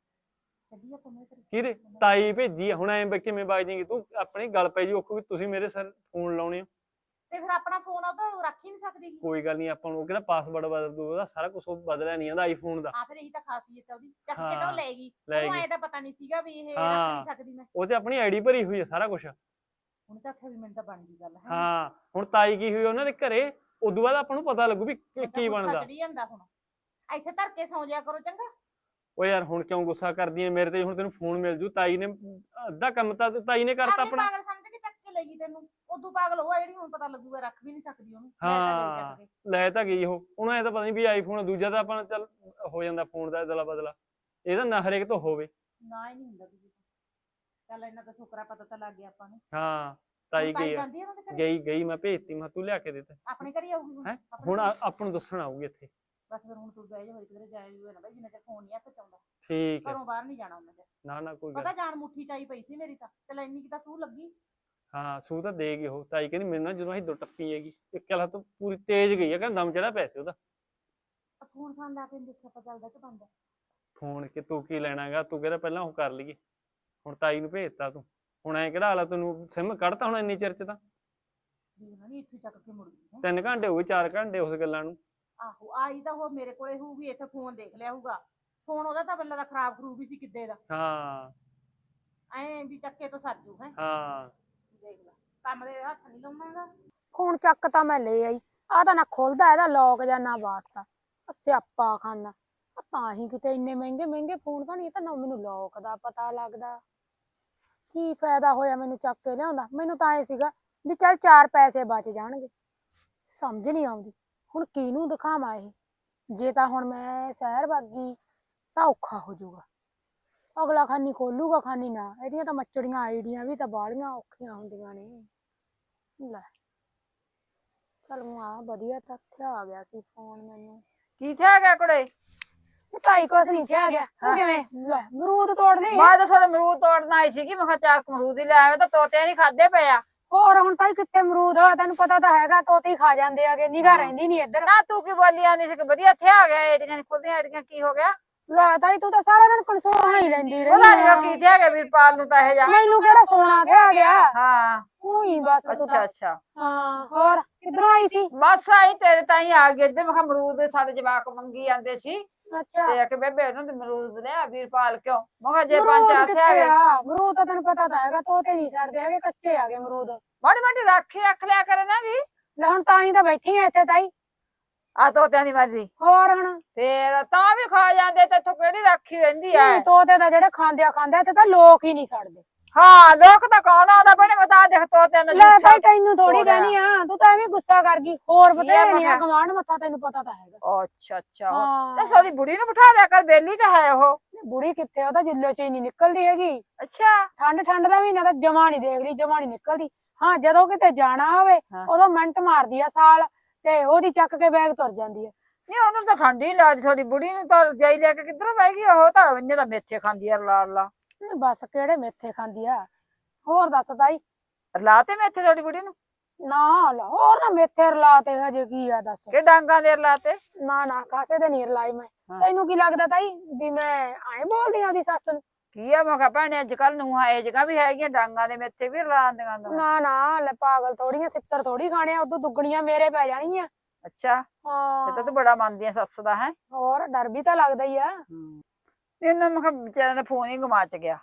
S4: ਚੱਲੀ ਆਪਾਂ ਮੈਂ
S1: ਕਿਹਦੇ? ਤਾਈ ਭੇਜੀ ਆ। ਹੁਣ ਐਂ ਕਿਵੇਂ ਬਾਜ ਜਾਏਗੀ ਤੂੰ, ਆਪਣੀ ਗੱਲ ਪੈ ਜੀ ਔਖੂ ਵੀ ਤੁਸੀਂ ਮੇਰੇ ਸਿਰ ਫੋਨ ਲਾਉਣੇ ਹੋ।
S4: ਤੇ ਫਿਰ ਆਪਣਾ ਫੋਨ ਉਹ ਤਾਂ ਰੱਖ ਹੀ ਨਹੀਂ ਸਕਦੀ।
S1: ਕੋਈ ਗੱਲ ਨਹੀਂ, ਆਪਾਂ ਨੂੰ ਕਿਹੜਾ ਪਾਸਵਰਡ ਬਦਲ ਦੂ, ਉਹਦਾ ਸਾਰਾ ਕੁਝ ਬਦਲਿਆ ਨਹੀਂ ਆਂਦਾ ਆਈਫੋਨ ਦਾ।
S4: ਹਾਂ ਫਿਰ ਇਹੀ ਤਾਂ ਖਾਸੀਅਤ ਹੈ ਉਹਦੀ, ਚੱਕ ਕੇ ਤਾਂ ਉਹ ਲੈ ਗਈ।
S1: ਲੈ
S4: ਉਹਨੂੰ
S1: ਗਈ।
S4: ਐ ਤਾਂ ਪਤਾ ਨਹੀਂ ਸੀਗਾ ਵੀ ਇਹ ਰੱਖ
S1: ਹਾਂ।
S4: ਨਹੀਂ ਸਕਦੀ ਮੈਂ।
S1: ਉਹ ਤੇ ਆਪਣੀ ਆਈਡੀ ਭਰੀ ਹੋਈ ਹੈ ਸਾਰਾ ਕੁਝ।
S4: ਹੁਣ ਤਾਂ ਆਖਿਆ ਵੀ ਮੈਨੂੰ ਤਾਂ ਬਣ ਗਈ ਗੱਲ ਹੈ।
S1: ਹਾਂ ਹੁਣ ਤਾਈ ਕੀ ਹੋਈ ਉਹਨਾਂ ਦੇ ਘਰੇ, ਉਦੋਂ ਬਾਅਦ ਆਪਾਂ ਨੂੰ ਪਤਾ ਲੱਗੂ ਵੀ ਕੀ ਬਣਦਾ।
S4: ਚੜੀ ਜਾਂਦਾ ਹੁਣ, ਇੱਥੇ ਧਰ ਕੇ ਸੌਂ ਜਾਇਆ ਕਰੋ ਚੰਗਾ।
S1: ਓ ਯਾਰ ਹੁਣ ਕਿਉਂ ਗੁੱਸਾ ਕਰਦੀ ਐ ਮੇਰੇ ਤੇ? ਹੁਣ ਤੈਨੂੰ ਫੋਨ ਮਿਲ ਜੂ, ਤਾਈ ਨੇ ਅੱਧਾ ਕੰਮ ਤਾਂ ਤਾਈ ਨੇ ਕਰਤਾ ਆਪਣਾ।
S4: ਪਾਗਲ ਸਮਝ ਕੇ ਚੱਕ ਕੇ ਲੈ ਗਈ ਤੈਨੂੰ, ਉਦੋਂ ਪਾਗਲ ਉਹ ਆ ਜਿਹੜੀ ਹੁਣ ਪਤਾ ਲੱਗੂਗਾ ਰੱਖ ਵੀ ਨਹੀਂ ਸਕਦੀ ਉਹਨੂੰ। ਲੈ ਤਾਂ ਗਈ ਚੱਕ ਕੇ।
S1: ਲੈ ਤਾਂ ਗਈ ਉਹ, ਉਹਨੂੰ ਐ ਤਾਂ ਪਤਾ ਨਹੀਂ ਵੀ ਆਈਫੋਨ ਦੂਜਾ ਤਾਂ ਆਪਾਂ ਚੱਲ ਹੋ ਜਾਂਦਾ ਫੋਨ ਦਾ ਅਦਲਾ ਬਦਲਾ, ਇਹਦਾ ਨਾ ਹਰੇਕ ਤੋਂ ਹੋਵੇ।
S4: ਨਾ ਹੀ ਨਹੀਂ ਹੁੰਦਾ ਦੂਜੇ ਤੋਂ। ਚੱਲ ਇਹਨਾਂ ਦਾ ਸ਼ੁਕਰ ਪਤਾ ਤਾਂ ਲੱਗ ਗਿਆ ਆਪਾਂ ਨੂੰ।
S1: ਹਾਂ ਤਾਈ ਗਈ
S4: ਜਾਂਦੀ ਆ ਉਹਨਾਂ ਦੇ ਘਰੇ?
S1: ਗਈ ਮੈਂ ਭੇਜਤੀ, ਮੈਂ ਤੂੰ ਲਿਆ ਕੇ ਦਿੱਤਾ।
S4: ਆਪਣੇ ਘਰੇ ਆਊਗੀ ਹੁਣ?
S1: ਹੈ ਹੁਣ ਆਪਾਂ ਨੂੰ ਦੱਸਣ ਆਊਗੀ ਇੱਥੇ।
S4: ਬਸ ਫਿਰ ਹੁਣ ਤੂੰ ਬਹਿ ਜਾ, ਹੋਈ ਕਿਧਰੇ ਜਾਏ ਨਾ ਬਾਈ, ਜਿੰਨਾ ਚਿਰ ਫੋਨ ਨਹੀਂ ਹੱਥ ਚ ਆਉਂਦਾ।
S1: ਠੀਕ ਹੈ।
S4: ਘਰੋਂ ਬਾਹਰ ਨਹੀਂ ਜਾਣਾ ਉਹਨਾਂ ਦੇ।
S1: ਨਾ ਕੋਈ
S4: ਪਤਾ
S1: ਗੱਲ।
S4: ਜਾਨ ਮੁੱਠੀ ਚਾਈ ਪਈ ਸੀ ਮੇਰੀ ਤਾਂ, ਚੱਲ ਇੰਨੀ ਕਿ ਤਾਂ ਤੂੰ ਲੱਗੀ।
S1: ਹਾਂ ਸੂ ਤਾਂ ਦੇਗੀ ਉਹ। ਤਾਈ ਕਹਿੰਦੀ ਮੇਰੇ ਨਾਲ ਜਦੋਂ ਅਸੀਂ ਦੋ ਟੱਪੀ ਹੈਗੀ, ਇੱਕ ਕਲਾ ਤੋਂ ਪੂਰੀ ਤੇਜ਼ ਗਈ ਹੈ, ਕਹਿੰਦਾ ਦਮ ਚੜਾ ਪਿਆ ਸੀ ਉਹਦਾ।
S4: ਫੋਨ ਫਾਨ ਲਾ ਕੇ ਦੇਖਿਆ ਪਤਾ ਚੱਲਦਾ ਕਿ ਬੰਦ?
S1: ਫੋਨ ਕਿ ਤੂੰ ਕੀ ਲੈਣਾਗਾ, ਤੂੰ ਕਹਿੰਦਾ ਪਹਿਲਾਂ ਉਹ ਕਰ ਲਈਏ, ਹੁਣ ਤਾਈ ਨੂੰ ਭੇਜਤਾ ਤੂੰ, ਹੁਣ ਐਂ ਕਿਹੜਾ ਹਾਲਾ ਤੈਨੂੰ ਸਿਮ ਕੱਢਤਾ ਹੁਣ ਇੰਨੀ ਚਿਰ ਚ ਤਾਂ।
S4: ਨਹੀਂ ਇੱਥੇ ਚੱਕ ਕੇ ਮੁੜ ਗਈ।
S1: 3 ਘੰਟੇ ਹੋ ਗਏ, 4 ਘੰਟੇ ਉਸ ਗੱਲਾਂ ਨੂੰ।
S4: ਆਹੋ ਆਈ ਤਾਂ ਉਹ ਮੇਰੇ ਕੋਲੇ ਹੋਊਗੀ, ਇੱਥੇ ਫੋਨ ਦੇਖ ਲਿਆ ਹੋਊਗਾ। ਫੋਨ ਉਹਦਾ ਤਾਂ ਬੱਲਾ ਦਾ ਖਰਾਬ ਖਰੂਬ ਵੀ ਸੀ ਕਿੱਦੇ ਦਾ।
S1: ਹਾਂ
S4: ਐਂ ਵੀ ਚੱਕੇ ਤੋਂ ਸਰ ਜੂ ਹੈ।
S1: ਹਾਂ
S4: ਦੇਖ ਲੈ, ਕੰਮ ਦੇ ਹੱਥ ਨਹੀਂ ਲਾਉਣਾ ਹੈਗਾ।
S2: ਫੋਨ ਚੱਕ ਤਾਂ ਮੈਂ ਲੈ ਆਈ, ਆ ਤਾਂ ਨਾ ਖੁੱਲਦਾ ਇਹਦਾ ਲੋਕ ਜਾਂ ਨਾ ਵਾਸਤਾ, ਸਿਆਪਾ ਖਾਨਾ। ਤਾਂ ਹੀ ਕਿਤੇ ਇੰਨੇ ਮਹਿੰਗੇ ਮਹਿੰਗੇ ਫੋਨ ਤਾਂ ਨਹੀਂ, ਤਾਂ ਨਾ ਮੈਨੂੰ ਲੋਕ ਦਾ ਪਤਾ ਲੱਗਦਾ। ਕੀ ਫਾਇਦਾ ਹੋਇਆ ਮੈਨੂੰ ਚੱਕ ਕੇ ਲਿਆਉਂਦਾ? ਮੈਨੂੰ ਤਾਂ ਇਹ ਸੀਗਾ ਵੀ ਚੱਲ 4 ਪੈਸੇ ਬਚ ਜਾਣਗੇ। ਸਮਝ ਨਹੀਂ ਆਉਂਦੀ ਹੁਣ ਕਿਹਨੂੰ ਦਿਖਾਵਾਂ ਇਹ। ਜੇ ਤਾਂ ਹੁਣ ਮੈਂ ਸ਼ਹਿਰ ਬਾਗੀ ਤਾਂ ਔਖਾ ਹੋ ਜਾਊਗਾ, ਅਗਲਾ ਖਾਨੀ ਖੋਲੂਗਾ ਖਾਨੀ ਨਾ। ਇਹਦੀਆਂ ਤਾਂ ਮੱਚੜੀਆਂ ਆਈਡੀਆਂ ਵੀ ਤਾਂ ਬਾਹਲੀਆਂ ਔਖੀਆਂ ਹੁੰਦੀਆਂ ਨੇ। ਲੈ ਚੱਲ ਆ ਵਧੀਆ ਤਾਂ ਇੱਥੇ ਆ ਗਿਆ ਸੀ ਫੋਨ ਮੈਨੂੰ।
S3: ਕੀ ਥਿਆ ਗਿਆ ਕੁੜੇ?
S2: ਤਾਈ ਕੁਛ ਨਹੀਂ ਕਿਹਾ ਗਿਆ। ਤੂੰ ਕਿਵੇਂ ਲੈ ਅਮਰੂਦ ਤੋੜਦੇ?
S3: ਮੈਂ ਤਾਂ ਤੁਹਾਡੇ ਅਮਰੂਦ ਤੋੜਨ ਆਈ ਸੀਗੀ, ਮੈਂ ਕਿਹਾ ਚਾਕ ਅਮਰੂਦ ਹੀ ਲੈ ਆਵੇ, ਤਾਂ ਤੋਤੇ ਨਹੀਂ ਖਾਦੇ ਪਏ ਆ।
S2: ਹੋਰ ਹੁਣ ਤਾਈ ਕਿੱਥੇ ਅਮਰੂਦ ਆ? ਤੈਨੂੰ ਪਤਾ ਤਾਂ ਹੈਗਾ ਤੋਤੇ ਹੀ ਖਾ ਜਾਂਦੇ ਆਗੇ, ਨਿਗਾਹ ਰਹਿੰਦੀ ਨਹੀਂ ਇੱਧਰ।
S3: ਨਾ ਤੂੰ ਕੀ ਬੋਲੀ ਆਂਦੀ ਸੀ ਕਿ ਵਧੀਆ ਇੱਥੇ ਆ ਗਿਆ, ਏਡੀਆਂ ਨੀ ਖੁੱਲਦੀਆਂ, ਏਡੀਆਂ ਕੀ ਹੋ ਗਿਆ?
S2: ਲੈ ਤਾਈ ਤੂੰ ਤਾਂ ਸਾਰਾ ਦਿਨ ਕਨਸੋਣਾ ਹੀ ਲੈਂਦੀ
S3: ਪਤਾ ਨੀ
S2: ਰਹਿੰਦੀ
S3: ਕੀ ਥਿਆ ਗਿਆ ਵੀਰਪਾਲ ਨੂੰ ਤਾਂ ਇਹ ਜਾ।
S2: ਮੈਨੂੰ ਕਿਹੜਾ ਸੋਨਾ ਤੇ ਆ ਗਿਆ?
S3: ਹਾਂ
S2: ਉਹੀ ਬਸ ਤੂੰ ਤਾਂ।
S3: ਅੱਛਾ
S2: ਹਾਂ ਹੋਰ ਕਿੱਧਰੋਂ ਆਈ ਸੀ?
S3: ਬਸ ਆਈ ਤੇਰੇ ਤਾਈ ਆ ਗਏ ਇੱਧਰ। ਮੈਂ ਕਿਹਾ ਅਮਰੂਦ ਸਾਡੇ ਜਵਾਕ ਮੰਗੀ ਜਾਂਦੇ ਸੀ,
S2: ਅੱਛਾ
S3: ਤੇ ਕਿ ਬੇਬੇ ਉਹਨੂੰ ਤੇ ਅਮਰੂਦ ਲਿਆ ਵੀਰਪਾਲ ਕਿਉਂ? ਮੈਂ ਕਿਹਾ ਜੇ
S2: ਅਮਰੂਦ
S3: 5-4 ਥਿਆ
S2: ਕਿੱਥੇ
S3: ਗਏ।
S2: ਆ? ਅਮਰੂਦ ਤਾਂ ਤੈਨੂੰ ਪਤਾ ਤਾਂ ਹੈਗਾ ਤੋਤੇ ਨਹੀਂ ਛੱਡਦੇ ਹੈਗੇ, ਕੱਚੇ ਆ ਗਏ ਅਮਰੂਦ।
S3: ਮਾੜੀ ਮਾੜੀ ਰੱਖ ਲਿਆ ਕਰੇ ਨਾ ਜੀ।
S2: ਲੈ ਹੁਣ ਤਾਂ ਹੀ ਤਾਂ ਬੈਠੀ ਆ ਇੱਥੇ ਤਾਈ।
S3: ਆ ਤੋਤਿਆਂ ਦੀ ਮਰਜ਼ੀ
S2: ਹੋਰ ਹੁਣ
S3: ਫੇਰ ਤਾਂ ਵੀ ਖਾ ਜਾਂਦੇ ਤੇ ਇੱਥੋਂ ਕਿਹੜੀ ਰਾਖੀ ਰਹਿੰਦੀ ਐ।
S2: ਨਹੀਂ ਤੋਤੇ ਦਾ ਜਿਹੜੇ ਖਾਂਦੇ ਆ ਇੱਥੇ ਤਾਂ ਲੋਕ ਹੀ ਨਹੀਂ ਛੱਡਦੇ।
S3: ਹਾਂ ਲੋਕ ਤਾਂ ਕੌਣ ਆਉਂਦਾ ਬਣੇ ਬਤਾ ਦੇਖ ਤੋਤਿਆਂ ਦਾ
S2: ਲੈ
S3: ਜੂਠਾ
S2: ਭਾਈ ਤੈਨੂੰ ਥੋੜੀ
S3: ਤੋੜਿਆ।
S2: ਕਹਿਣੀ ਆ, ਤੂੰ ਤਾਂ ਐਵੇਂ ਗੁੱਸਾ ਕਰ ਗਈ। ਹੋਰ
S3: ਕੀ ਆ
S2: ਬਤੇਰੇ ਨਹੀਂ ਆ
S3: ਮੈਂ
S2: ਗਵਾਂਢ ਮੱਥਾ, ਤੈਨੂੰ ਪਤਾ ਤਾਂ ਹੈਗਾ।
S3: ਅੱਛਾ ਅੱਛਾ ਤੇ
S2: ਹਾਂ
S3: ਸਾਡੀ ਬੁੜੀ ਨੂੰ ਬਿਠਾ ਦਿਆ ਕਰ, ਬੇਲੀ ਤਾਂ ਹੈ ਉਹ।
S2: ਬੁੜੀ ਕਿੱਥੇ, ਉਹ ਤਾਂ ਜਿੱਲੇ ਚ ਹੀ ਨਹੀਂ ਨਿਕਲਦੀ ਹੈਗੀ।
S3: ਅੱਛਾ
S2: ਠੰਡ ਦਾ ਮਹੀਨਾ ਤਾਂ ਜਮਾ ਨਹੀਂ ਦੇਖਦੀ, ਜਮਾ ਨਹੀਂ ਨਿਕਲਦੀ। ਹਾਂ ਜਦੋਂ ਕਿਤੇ ਜਾਣਾ ਹੋਵੇ
S3: ਹਾਂ।
S2: ਉਦੋਂ ਮਿੰਟ ਮਾਰਦੀ ਆ ਸਾਲ, ਤੇ ਉਹਦੀ ਚੱਕ ਕੇ ਬੈਗ ਤੁਰ ਜਾਂਦੀ ਆ।
S3: ਨਹੀਂ ਉਹਨੂੰ ਤਾਂ ਠੰਡ ਹੀ ਨੀ ਲੱਗਦੀ, ਸਾਡੀ ਬੁੜੀ ਨੂੰ ਤਾਂ ਜਾਈ ਲੈ ਕੇ ਕਿੱਧਰੋਂ ਬਹਿ ਗਈ ਉਹ ਤਾਂ ਇੰਨੇ ਤਾਂ ਮੇਥੇ ਖਾਂਦੀ ਆ ਰਲਾ ਰਲਾ।
S2: ਬਸ ਕਿਹੜੇ ਮੇਥੇ ਖਾਂਦੀ ਆ। ਹੋਰ ਦੱਸ ਤਾਈ।
S3: ਰਲਾ ਤੇ ਮੇਥੇ ਸਾਡੀ ਬੁੜੀ ਨੂੰ
S2: ਨਾ ਲਾ ਹੋਰ ਨਾ ਮੇਥੇ ਰਲਾ ਤੇ ਹਜੇ ਕੀ ਆ ਦੱਸ।
S3: ਕਿ ਡਾਂਗਾ ਦੇ ਰਲਾ ਤੇ
S2: ਨਾ ਕਾਸੇ ਦੇ ਨੀ ਰਲਾਈ ਮੈਂ।
S3: ਹਾਂ।
S2: ਤੈਨੂੰ ਕੀ ਲੱਗਦਾ ਤਾਈ ਵੀ ਮੈਂ ਐਂ ਬੋਲਦੀ ਆ ਉਹਦੀ ਸੱਸ ਨੂੰ?
S3: ਕੀ ਆ ਮੈਂ ਕਿਹਾ ਭੈਣੇ ਅੱਜ ਕੱਲ ਨੂੰ ਇਹ ਜਗ੍ਹਾ ਵੀ ਹੈਗੀਆਂ ਡਾਂਗਾ ਦੇ ਮੇਥੇ ਵੀ ਰਲਾਉਂਦੀਆਂ ਨੇ।
S2: ਨਾ ਲੈ ਪਾਗਲ ਥੋੜੀਆਂ, ਸਿੱਤਰ ਥੋੜੀ ਖਾਣੇ ਆ, ਉਦੋਂ ਦੁੱਗਣੀਆਂ ਮੇਰੇ ਪੈ ਜਾਣਗੀਆਂ।
S3: ਅੱਛਾ ਇਹ ਤਾਂ
S2: ਹਾਂ
S3: ਤੂੰ ਬੜਾ ਮੰਨਦੀ ਆ ਸੱਸ ਦਾ ਹੈ।
S2: ਹੋਰ ਡਰ ਵੀ ਤਾਂ ਲੱਗਦਾ ਹੀ ਆ।
S3: ਇਹਨਾਂ ਮੈਂ ਕਿਹਾ ਵਿਚਾਰਿਆਂ ਦਾ ਫੋਨ ਹੀ ਗਵਾਚ ਗਿਆ।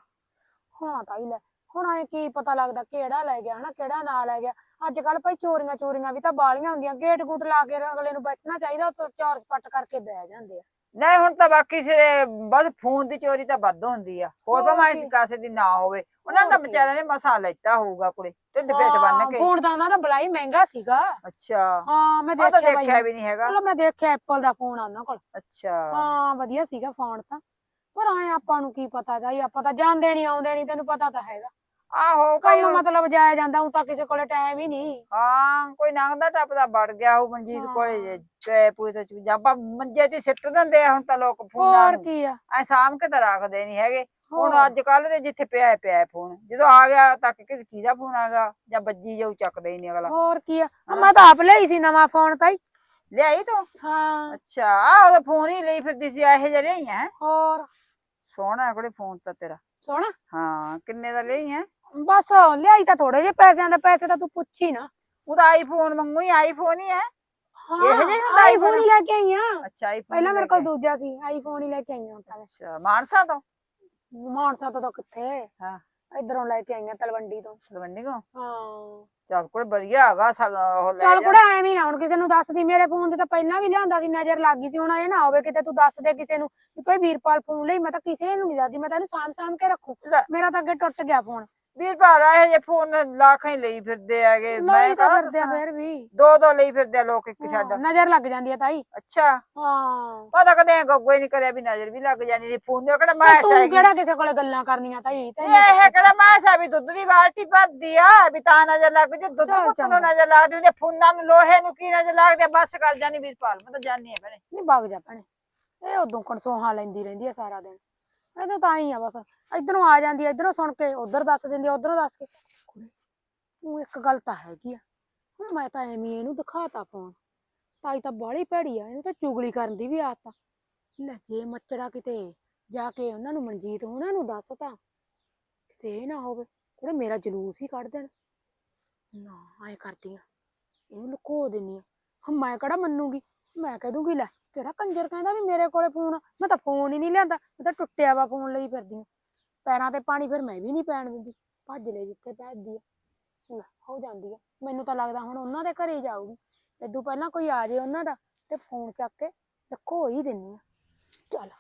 S2: ਹਾਂ ਤਾਈ ਲੈ ਹੁਣ ਐ ਕੀ ਪਤਾ ਲੱਗਦਾ ਕਿਹੜਾ ਲੈ ਗਿਆ ਹਨਾ, ਕਿਹੜਾ ਨਾ ਲੈ ਗਿਆ। ਅੱਜ ਕੱਲ ਭਾਈ ਚੋਰੀਆਂ ਵੀ ਤਾਂ ਬਾਲੀਆਂ ਹੁੰਦੀਆਂ। ਗੇਟ ਗੂਟ ਲਾ ਕੇ ਅਗਲੇ ਨੂੰ ਬੈਠਣਾ ਚਾਹੀਦਾ, ਉੱਥੇ ਚੌਰ ਸਪੱਟ ਕਰਕੇ ਬਹਿ ਜਾਂਦੇ ਆ।
S3: ਨਹੀਂ ਹੁਣ ਤਾਂ ਬਾਕੀ ਸਿਰੇ ਬਸ ਫੋਨ ਦੀ ਚੋਰੀ ਤਾਂ ਵੱਧ ਹੁੰਦੀ ਆ, ਹੋਰ
S2: ਹੋਰ
S3: ਭਾਵੇਂ
S2: ਕੀ।
S3: ਕਾਸੇ ਦੀ ਨਾ ਹੋਵੇ। ਉਹਨਾਂ ਦਾ
S2: ਹੋਰ ਕੀ।
S3: ਵਿਚਾਰਿਆਂ ਨੇ ਮਸਾ ਲੈਤਾ ਹੋਊਗਾ ਕੁੜੇ ਢਿੱਡ ਪੇਟ ਬੰਨ ਕੇ।
S2: ਫੋਨ ਤਾਂ ਉਹਨਾਂ ਦਾ ਬੜਾ ਹੀ ਮਹਿੰਗਾ ਸੀਗਾ।
S3: ਅੱਛਾ
S2: ਹਾਂ ਮੈਂ
S3: ਉਹ ਤਾਂ
S2: ਦੇਖਿਆ
S3: ਦੇਖਿਆ ਵੀ ਨਹੀਂ ਹੈਗਾ।
S2: ਚਲੋ ਮੈਂ ਦੇਖਿਆ ਐਪਲ ਦਾ ਫੋਨ ਆ ਉਹਨਾਂ ਕੋਲ।
S3: ਅੱਛਾ
S2: ਹਾਂ ਵਧੀਆ ਸੀਗਾ ਫੋਨ ਤਾਂ, ਪਰ ਐ ਆਪਾਂ ਨੂੰ ਕੀ ਪਤਾ ਜਾਈ, ਆਪਾਂ ਤਾਂ ਜਾਂਦੇ ਨੀ ਆਉਂਦੇ ਨੀ, ਤੈਨੂੰ ਪਤਾ ਤਾਂ ਹੈਗਾ।
S3: ਆਹੋ ਕਈ
S2: ਕੰਮ ਮਤਲਬ ਜਾਇਆ ਜਾਂਦਾ, ਹੁਣ ਤਾਂ ਕਿਸੇ ਕੋਲੇ ਟਾਈਮ ਹੀ ਨਹੀਂ।
S3: ਹਾਂ ਕੋਈ ਲੰਘਦਾ ਟੱਪਦਾ ਵੜ ਗਿਆ ਉਹ ਮਨਜੀਤ ਕੋਲੇ ਤੇ ਪੂਰੀ ਤੇ ਚੀਜ਼ਾਂ ਆਪਾਂ ਮੰਜੇ ਤੇ ਸਿੱਟ ਦਿੰਦੇ ਆ ਹੁਣ ਤਾਂ ਲੋਕ ਫੋਨਾਂ
S2: ਹੋਰ
S3: ਨੂੰ
S2: ਕੀ ਆ।
S3: ਐ ਸਾਂਭ ਕੇ ਤਾਂ ਰੱਖਦੇ ਨਹੀਂ ਹੈਗੇ। ਹੁਣ
S2: ਹੋਰ।
S3: ਅੱਜ ਕੱਲ ਦੇ ਜਿੱਥੇ ਪਿਆ ਫੋਨ ਜਦੋਂ ਆ ਗਿਆ ਤਾਂ ਕਿਹਦਾ ਫੋਨ ਆ ਗਿਆ ਜਾਂ ਵੱਜੀ ਜਾਊ ਚੱਕਦਾ ਹੀ ਨਹੀਂ ਅਗਲਾ।
S2: ਹੋਰ ਕੀ ਆ, ਮੈਂ ਤਾਂ ਆਪ ਲਈ ਸੀ ਨਵਾਂ ਫੋਨ ਤਾਈ।
S3: ਲਿਆਈ ਤੂੰ?
S2: ਹਾਂ
S3: ਅੱਛਾ ਆ ਉਹਦਾ ਫੋਨ ਹੀ ਲਈ ਫਿਰਦੀ ਸੀ ਇਹੋ ਜਿਹਾ ਲਿਆਈ ਹੈ।
S2: ਹੋਰ
S3: ਸੋਹਣਾ ਕੋਲੇ ਫੋਨ ਤਾਂ ਤੇਰਾ।
S2: ਸੋਹਣਾ
S3: ਹਾਂ ਕਿੰਨੇ ਦਾ ਲਈ ਹੈ?
S2: ਬਸ ਲਿਆਈ ਤਾਂ ਥੋੜੇ ਜਿਹੇ ਪੈਸਿਆਂ ਦਾ, ਪੈਸੇ ਤਾਂ ਤੂੰ ਪੁੱਛੀ ਨਾ।
S3: ਉਹਦਾ ਆਈਫੋਨ ਮੰਗੂ ਹੀ ਆਈਫੋਨ ਹੀ ਹੈ। ਇਹੋ ਜਿਹਾ ਹੀ ਹੁੰਦਾ
S2: ਆਈਫੋਨ
S3: ਆਈਫੋਨ?
S2: ਹੀ ਲੈ ਕੇ ਆਈ ਆ।
S3: ਅੱਛਾ ਆਈਫੋਨ
S2: ਪਹਿਲਾਂ ਮੇਰੇ ਕੋਲ ਦੂਜਾ ਸੀ, ਆਈਫੋਨ ਹੀ ਲੈ ਕੇ ਆਈ ਆ ਹੁਣ ਤਾਂ ਮੈਂ।
S3: ਅੱਛਾ ਮਾਨਸਾ ਤੋਂ?
S2: ਮਾਨਸਾ ਤੋਂ ਤਾਂ ਕਿੱਥੇ,
S3: ਹਾਂ
S2: ਇਧਰੋਂ ਲੈ ਕੇ ਆਈ ਆ ਤਲਵੰਡੀ ਤੋਂ।
S3: ਤਲਵੰਡੀ ਤੋਂ?
S2: ਹਾਂ
S3: ਚੱਲ ਕੋਲ ਵਧੀਆ ਹੈਗਾ ਉਹ ਲੈ
S2: ਚੱਲ
S3: ਜਾ।
S2: ਕੁੜਾ ਐਵੇਂ ਨਾ ਹੁਣ ਕਿਸੇ ਨੂੰ ਦੱਸਦੀ, ਮੇਰੇ ਫੋਨ ਤੇ ਤਾਂ ਪਹਿਲਾਂ ਵੀ ਲਿਆਂਦਾ ਸੀ, ਨਜ਼ਰ ਲੱਗ ਗਈ ਸੀ। ਹੁਣ ਇਹ ਨਾ ਹੋਵੇ ਕਿਤੇ ਤੂੰ ਦੱਸ ਦੇ ਕਿਸੇ ਨੂੰ ਵੀ ਭਾਈ ਵੀਰਪਾਲ ਫੋਨ ਲਈ। ਮੈਂ ਤਾਂ ਕਿਸੇ ਨੂੰ ਨਹੀਂ ਦੱਸਦੀ, ਮੈਂ ਤਾਂ ਇਹਨੂੰ ਸਾਂਭ ਕੇ ਰੱਖੂ।
S3: ਲੈ
S2: ਮੇਰਾ ਤਾਂ ਅੱਗੇ ਟੁੱਟ ਗਿਆ ਫੋਨ।
S3: ਵੀਰਪਾਲ ਇਹੋ ਜਿਹੇ ਫੋਨ ਲੱਖਾਂ ਹੀ ਲਈ ਫਿਰਦੇ ਹੈਗੇ। ਮੈਂ
S2: ਲਈ ਤਾਂ
S3: ਕਹਾਂ
S2: ਫਿਰਦੇ ਆ ਫੇਰ ਵੀ।
S3: ਦੋ ਲਈ ਫਿਰਦੇ ਆ ਲੋਕ ਇੱਕ ਛੱਡ।
S2: ਨਜ਼ਰ ਲੱਗ ਜਾਂਦੀ ਆ ਤਾਈ।
S3: ਅੱਛਾ
S2: ਹਾਂ
S3: ਪਤਾ ਕਦੇ ਗੱਗੋ ਹੀ ਨਹੀਂ ਕਰਿਆ ਵੀ ਨਜ਼ਰ ਵੀ ਲੱਗ ਜਾਂਦੀ ਫੋਨ ਦੇ ਕਿਹੜਾ ਮੈਂ
S2: ਤੂੰ
S3: ਹੈਗੀ।
S2: ਕਿਹੜਾ ਕਿਸੇ ਕੋਲੇ ਗੱਲਾਂ ਕਰਨੀਆਂ ਤਾਈ?
S3: ਇਹ ਕਿਹੜਾ ਮੈਂ ਵੀ ਦੁੱਧ ਦੀ ਬਾਲਟੀ ਭਰਦੀ ਆ ਵੀ ਤਾਂ ਨਜ਼ਰ ਲੱਗ ਜੇ। ਦੁੱਧ
S2: ਚੱਲ
S3: ਪੁੱਤ ਨੂੰ
S2: ਚੰਗਾ।
S3: ਨਜ਼ਰ ਲੱਗਦੀ ਹੁੰਦੀ, ਫੋਨਾਂ ਨੂੰ ਲੋਹੇ ਨੂੰ ਕੀ ਨਜ਼ਰ ਲੱਗਦੀ ਆ। ਬਸ ਕਰ ਜਾਨੀ ਵੀਰਪਾਲ ਮੈਂ ਤਾਂ ਜਾਨੀ ਆ ਭੈਣੇ।
S2: ਨਹੀਂ ਵਗ ਜਾ ਭੈਣੇ, ਇਹ ਉਦੋਂ ਕਣਸੋਹਾਂ ਲੈਂਦੀ ਰਹਿੰਦੀ ਆ ਸਾਰਾ ਦਿਨ। ਇਹ ਤਾਂ ਹੀ ਆ ਬਸ, ਇਧਰੋਂ ਆ ਜਾਂਦੀ ਆ, ਇਧਰੋਂ ਸੁਣ ਕੇ ਉਧਰ ਦੱਸ ਦਿੰਦੀ ਆ, ਉਧਰੋਂ ਦੱਸ ਕੇ। ਤੂੰ ਇੱਕ ਗੱਲ ਤਾਂ ਹੈਗੀ ਆ, ਹੁਣ ਮੈਂ ਤਾਂ ਐਵੇਂ ਇਹਨੂੰ ਦਿਖਾਤਾ ਫੋਨ। ਤਾਈ ਤਾਂ ਬਾਹਲੀ ਭੈੜੀ ਆ, ਇਹਨੂੰ ਤਾਂ ਚੁਗਲੀ ਕਰਨ ਦੀ ਵੀ ਆਦਤ ਆ। ਲੈ ਜੇ ਮੱਚੜਾ ਕਿਤੇ ਜਾ ਕੇ ਉਹਨਾਂ ਨੂੰ ਮਨਜੀਤ ਉਹਨਾਂ ਨੂੰ ਦੱਸਤਾ, ਕਿਤੇ ਇਹ ਨਾ ਹੋਵੇ ਕੁੜੇ ਮੇਰਾ ਜਲੂਸ ਹੀ ਕੱਢ ਦੇਣ। ਨਾ ਐਂ ਕਰਦੀ ਆ, ਇਹਨੂੰ ਲੁਕੋ ਦਿੰਦੀ ਆ। ਹੁਣ ਮੈਂ ਕਿਹੜਾ ਮੰਨੂਗੀ, ਮੈਂ ਕਹਿ ਦੂੰਗੀ ਲੈ ਕਿਹੜਾ ਕੰਜਰ ਕਹਿੰਦਾ ਵੀ ਮੇਰੇ ਕੋਲੇ ਫੋਨ ਆ। ਮੈਂ ਤਾਂ ਫੋਨ ਹੀ ਨਹੀਂ ਲਿਆਂਦਾ, ਮੈਂ ਤਾਂ ਟੁੱਟਿਆ ਵਾ ਫੋਨ ਲਈ ਫਿਰਦੀ ਆ। ਪੈਰਾਂ ਤੇ ਪਾਣੀ ਫਿਰ ਮੈਂ ਵੀ ਨਹੀਂ ਪੈਣ ਦਿੰਦੀ, ਭੱਜ ਲੈ ਜਿੱਥੇ ਭੱਜਦੀ ਆ। ਹੋ ਜਾਂਦੀ ਆ, ਮੈਨੂੰ ਤਾਂ ਲੱਗਦਾ ਹੁਣ ਉਹਨਾਂ ਦੇ ਘਰੇ ਜਾਊਗੀ। ਇਦੋਂ ਪਹਿਲਾਂ ਕੋਈ ਆ ਜੇ ਉਹਨਾਂ ਦਾ ਤੇ ਫੋਨ ਚੱਕ ਕੇ ਲੁਕੋ ਹੀ ਦਿੰਨੀ ਆ। ਚੱਲ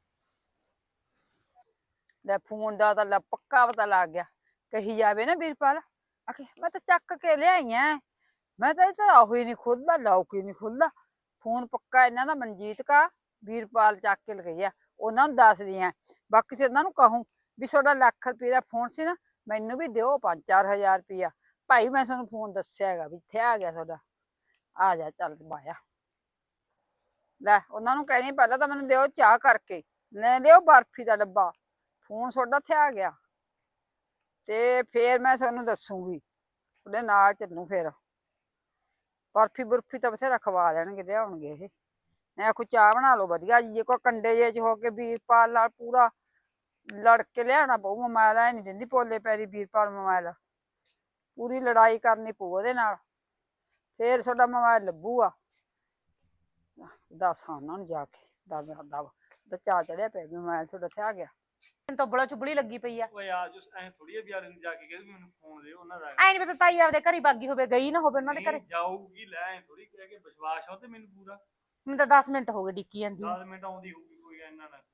S3: ਲੈ ਫੋਨ ਦਾ ਤਾਂ ਪੱਕਾ ਪਤਾ ਲੱਗ ਗਿਆ। ਕਹੀ ਜਾਵੇ ਨਾ ਵੀਰਪਾਲ ਆਖੇ ਮੈਂ ਤਾਂ ਚੱਕ ਕੇ ਲਿਆਈ ਐ, ਮੈਂ ਤਾਂ ਇਹ ਤਾਂ ਆਹੋ ਹੀ ਨਹੀਂ ਖੁੱਲਦਾ, ਲੌਕ ਹੀ ਨਹੀਂ ਖੁੱਲਦਾ। ਫੋਨ ਪੱਕਾ ਇਹਨਾਂ ਦਾ ਮਨਜੀਤ ਕਾ ਵੀਰਪਾਲ ਚੱਕ ਕੇ ਲਗਈ ਆ। ਉਹਨਾਂ ਨੂੰ ਦੱਸਦੀ ਆ, ਬਾਕੀ ਸੇ ਉਹਨਾਂ ਨੂੰ ਕਹੂੰ ਵੀ ਤੁਹਾਡਾ ਲੱਖ ਰੁਪਏ ਦਾ ਫੋਨ ਸੀ ਨਾ, ਮੈਨੂੰ ਵੀ ਦਿਓ 5-4 ਹਜ਼ਾਰ ਰੁਪਇਆ। ਭਾਈ ਮੈਂ ਤੁਹਾਨੂੰ ਫੋਨ ਦੱਸਿਆ ਹੈਗਾ ਵੀ ਇੱਥੇ ਆ ਗਿਆ ਤੁਹਾਡਾ, ਆ ਜਾ ਚੱਲ ਬਾਇਆ। ਲੈ ਉਹਨਾਂ ਨੂੰ ਕਹਿੰਦੀ ਪਹਿਲਾਂ ਤਾਂ ਮੈਨੂੰ ਦਿਓ ਚਾਹ ਕਰਕੇ, ਲੈ ਲਿਓ ਬਰਫੀ ਦਾ ਡੱਬਾ, ਫੋਨ ਤੁਹਾਡਾ ਇੱਥੇ ਆ ਗਿਆ ਤੇ ਫੇਰ ਮੈਂ ਤੁਹਾਨੂੰ ਦੱਸੂਗੀ, ਉਹਦੇ ਨਾਲ ਚੱਲੂ। ਫੇਰ ਬਰਫੀ ਬੁਰਫੀ ਤਾਂ ਬਥੇਰਾ ਖਵਾ ਦੇਣਗੇ, ਲਿਆਉਣਗੇ ਇਹ। ਮੈਂ ਕੋਈ ਚਾਹ ਬਣਾ ਲਓ ਵਧੀਆ ਜੀ, ਜੇ ਕੋਈ ਕੰਡੇ ਜੇ ਚ ਹੋ ਕੇ ਵੀਰਪਾਲ ਨਾਲ ਪੂਰਾ ਲੜ ਕੇ ਲਿਆਉਣਾ ਪਊ। ਮੋਬਾਇਲ ਐ ਨਹੀਂ ਦਿੰਦੀ ਪੋਲੇ ਪੈਰੀ ਵੀਰਪਾਲ ਮੋਬਾਇਲ, ਪੂਰੀ ਲੜਾਈ ਕਰਨੀ ਪਊ ਉਹਦੇ ਨਾਲ, ਫੇਰ ਤੁਹਾਡਾ ਮੋਬਾਇਲ ਲੱਭੂਗਾ। ਦੱਸ ਉਹਨਾਂ ਨੂੰ ਜਾ ਕੇ ਦਬ ਚਾਹ ਚੜਿਆ ਪਿਆ ਵੀ ਮੋਬਾਇਲ ਤੁਹਾਡਾ ਇੱਥੇ ਆ ਗਿਆ।
S4: ਮੈਨੂੰ ਤਾਂ ਬੜਾ ਚੁਬਲੀ ਲੱਗੀ ਪਈ ਆ।
S1: ਓਏ ਆ ਜੋ ਐ ਥੋੜੀ ਆ ਵੀ ਆਲੇ ਨੂੰ ਜਾ ਕੇ ਕਹਿੰਦੇ ਮੈਨੂੰ ਫੋਨ ਦਿਓ ਉਹਨਾਂ ਦਾ।
S4: ਐ ਨੀ ਪਤਾ ਤਾਈ ਆਪਦੇ ਘਰੀ ਬਾਗੀ ਹੋਵੇ, ਗਈ ਨਾ ਹੋਵੇ ਉਹਨਾਂ ਦੇ ਘਰੇ।
S1: ਜਾਊਗੀ ਲੈ ਥੋੜੀ ਕਹਿ ਕੇ ਵਿਸ਼ਵਾਸ ਆ ਤੇ ਮੈਨੂੰ ਪੂਰਾ।
S4: ਮੈਨੂੰ ਤਾਂ 10 ਮਿੰਟ ਹੋ ਗਏ ਡਿੱਕੀ ਜਾਂਦੀ ਨੂੰ।
S1: 10 ਮਿੰਟ ਆਉਂਦੀ ਹੋਊਗੀ ਕੋਈ ਇੰਨਾ ਨਾ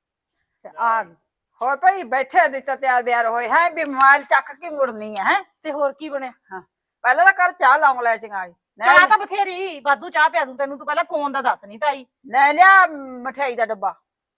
S4: ਤੇ ਆ ਗਈ।
S3: ਹੋਰ ਭਾਈ ਬੈਠੇ ਦਿੱਤਾ ਤਿਆਰ ਬਿਆਰ ਹੋਏ ਹੈ ਵੀ ਮੋਬਾਈਲ ਚੱਕ ਕੇ ਮੁੜਨੀ ਹੈ ਹੈਂ?
S4: ਤੇ ਹੋਰ ਕੀ ਬਣਿਆ?
S3: ਪਹਿਲਾਂ ਤਾਂ ਕਰ ਚਾਹ ਲੌਂਗ ਲੈ ਚੰਗਾਈ
S4: ਚਾਹ ਤਾਂ ਬਥੇਰੀ ਵਾਧੂ ਚਾਹ ਪਿਆ ਦੂੰ ਤੈਨੂੰ, ਤੂੰ ਪਹਿਲਾਂ ਫੋਨ ਦਾ ਦੱਸ ਨਹੀਂ ਤਾਈ।
S3: ਲੈ ਲਿਆ ਮਠਿਆਈ ਦਾ ਡੱਬਾ।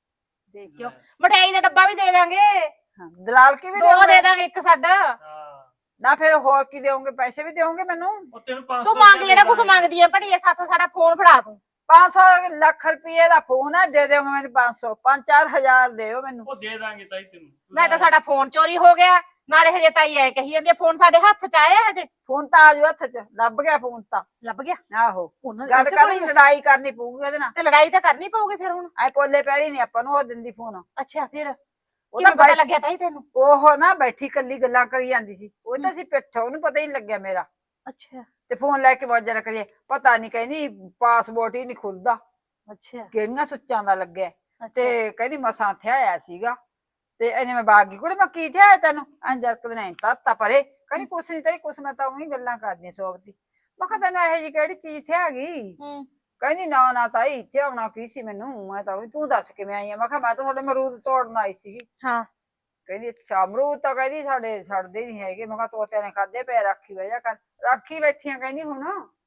S4: ਦੇਖ ਕਿਉਂ ਮਠਿਆਈ ਦਾ ਡੱਬਾ ਵੀ ਦੇ ਦਾਂਗੇ,
S3: ਹਾਂ, ਦਲਾਲ ਕੀ ਵੀ
S4: ਦੋ
S3: ਦੇਓਗੇ?
S4: ਦੇ ਦਾਂਗੇ ਇੱਕ ਸਾਡਾ।
S1: ਹਾਂ
S3: ਨਾ ਫਿਰ ਹੋਰ ਕੀ ਦੇਵੋਗੇ? ਪੈਸੇ ਵੀ ਦੇਵੋਗੇ ਮੈਨੂੰ?
S1: ਉਹ ਤੈਨੂੰ 500
S4: ਤੂੰ ਮੰਗ ਜਿਹੜਾ ਕੁਛ ਮੰਗਦੀ ਆ ਭੜੀਏ ਸਾਥੋਂ, ਸਾਡਾ ਫੋਨ ਫੜਾ ਤੂੰ।
S3: 500 ਲੱਖ ਰੁਪਏ ਦਾ ਫੋਨ ਹੈ, ਦੇ ਦਿਓਗੇ ਮੈਨੂੰ 500 5-4 ਹਜ਼ਾਰ ਦਿਓ ਮੈਨੂੰ।
S1: ਉਹ ਦੇ ਦਾਂਗੇ ਤਾਈ ਤੈਨੂੰ।
S4: ਨਾ ਤਾਂ ਸਾਡਾ ਫੋਨ ਚੋਰੀ ਹੋ ਗਿਆ, ਨਾਲੇ ਹਜੇ ਤਾਈ ਐ ਕਹੀ ਜਾਂਦੀ ਆ ਫੋਨ ਸਾਡੇ ਹੱਥ ਚ ਆਇਆ ਹਜੇ।
S3: ਫੋਨ ਤਾਂ ਆਜੂ ਹੱਥ 'ਚ, ਲੱਭ ਗਿਆ ਫੋਨ ਤਾਂ।
S4: ਲੱਭ ਗਿਆ
S3: ਆਹੋ
S4: ਉਹਨਾਂ
S3: ਗੱਲ
S4: ਇਸੇ
S3: ਕਰਨੀ,
S4: ਕੋਲ ਹੀ ਆ।
S3: ਲੜਾਈ ਕਰਨੀ ਪਊਗੀ ਉਹਦੇ ਨਾਲ।
S4: ਤੇ ਲੜਾਈ ਤਾਂ ਕਰਨੀ ਪਊਗੀ ਫਿਰ ਹੁਣ।
S3: ਐ ਪੋਲੇ ਪੈਰੀ ਨਹੀਂ ਆਪਾਂ ਨੂੰ ਉਹ ਦਿੰਦੀ ਫੋਨ।
S4: ਅੱਛਾ ਫਿਰ
S3: ਉਹ
S4: ਕਿਵੇਂ
S3: ਤਾਂ
S4: ਪਤਾ ਲੱਗਿਆ ਤਾਈ ਤੈਨੂੰ?
S3: ਉਹ ਨਾ ਬੈਠੀ ਕੱਲੀ ਗੱਲਾਂ ਕਰੀ ਜਾਂਦੀ ਸੀ, ਉਹ ਤਾਂ ਸੀ ਪਿੱਠ, ਉਹਨੂੰ ਪਤਾ ਹੀ ਨਹੀਂ ਲੱਗਿਆ ਮੇਰਾ।
S4: ਅੱਛਾ
S3: ਤੇ ਫੋਨ ਲੈ ਕੇ ਵਾਜਾ ਕਰੀਏ, ਪਤਾ ਨਹੀਂ ਕਹਿੰਦੀ ਪਾਸਪੋਰਟ ਹੀ ਨਹੀਂ ਖੁੱਲਦਾ,
S4: ਅੱਛਾ
S3: ਕਿਹੜੀਆਂ ਸੁੱਚਾਂ ਦਾ ਲੱਗਿਆ।
S4: ਅੱਛਾ
S3: ਤੇ ਕਹਿੰਦੀ ਮਸਾਂ ਇੱਥੇ ਆਇਆ ਸੀਗਾ ਤੇ ਇਹਨੇ ਮੈਂ ਬਾਗੀ ਕੁੜੇ ਮੈਂ ਕੀ ਥਿਆ ਤੈਨੂੰ ਅੰਜਰਕ ਦੇ ਨਹੀਂ ਤਾਂ ਪਰੇ ਕਹਿੰਦੀ ਕੁਛ ਨਹੀਂ ਤਾਈ ਕੁਛ, ਮੈਂ ਤਾਂ ਉਹੀ ਗੱਲਾਂ ਕਰਦੀਆਂ ਸੋਬਦੀ। ਮੈਂ ਕਿਹਾ ਤੈਨੂੰ ਇਹੋ ਜਿਹੀ ਕਿਹੜੀ ਚੀਜ਼ ਥਿਆ ਗਈ?
S4: ਹੂੰ
S3: ਕਹਿੰਦੀ ਨਾ ਨਾ ਤਾਈ ਇੱਥੇ ਆਉਣਾ ਕੀ ਸੀ ਮੈਨੂੰ, ਮੈਂ ਤਾਂ ਵੀ ਤੂੰ ਦੱਸ ਕਿਵੇਂ ਆਈ ਆ? ਮੈਂ ਕਿਹਾ ਮੈਂ ਤਾਂ ਤੁਹਾਡੇ ਅਮਰੂਦ ਤੋੜਨ ਆਈ ਸੀਗੀ।
S4: ਹਾਂ
S3: ਕਹਿੰਦੀ ਅੱਛਾ ਅਮਰੂਦ ਤਾਂ ਕਹਿੰਦੀ ਸਾਡੇ ਛੱਡਦੇ ਨਹੀਂ ਹੈਗੇ। ਮੈਂ ਕਿਹਾ ਤੋਤਿਆਂ ਨੇ ਖਾਦੇ ਪਏ, ਰਾਖੀ ਬਹਿ ਜਾ ਕਰ। ਰਾਖੀ ਬੈਠੀਆਂ ਕਹਿੰਦੀ ਹੁਣ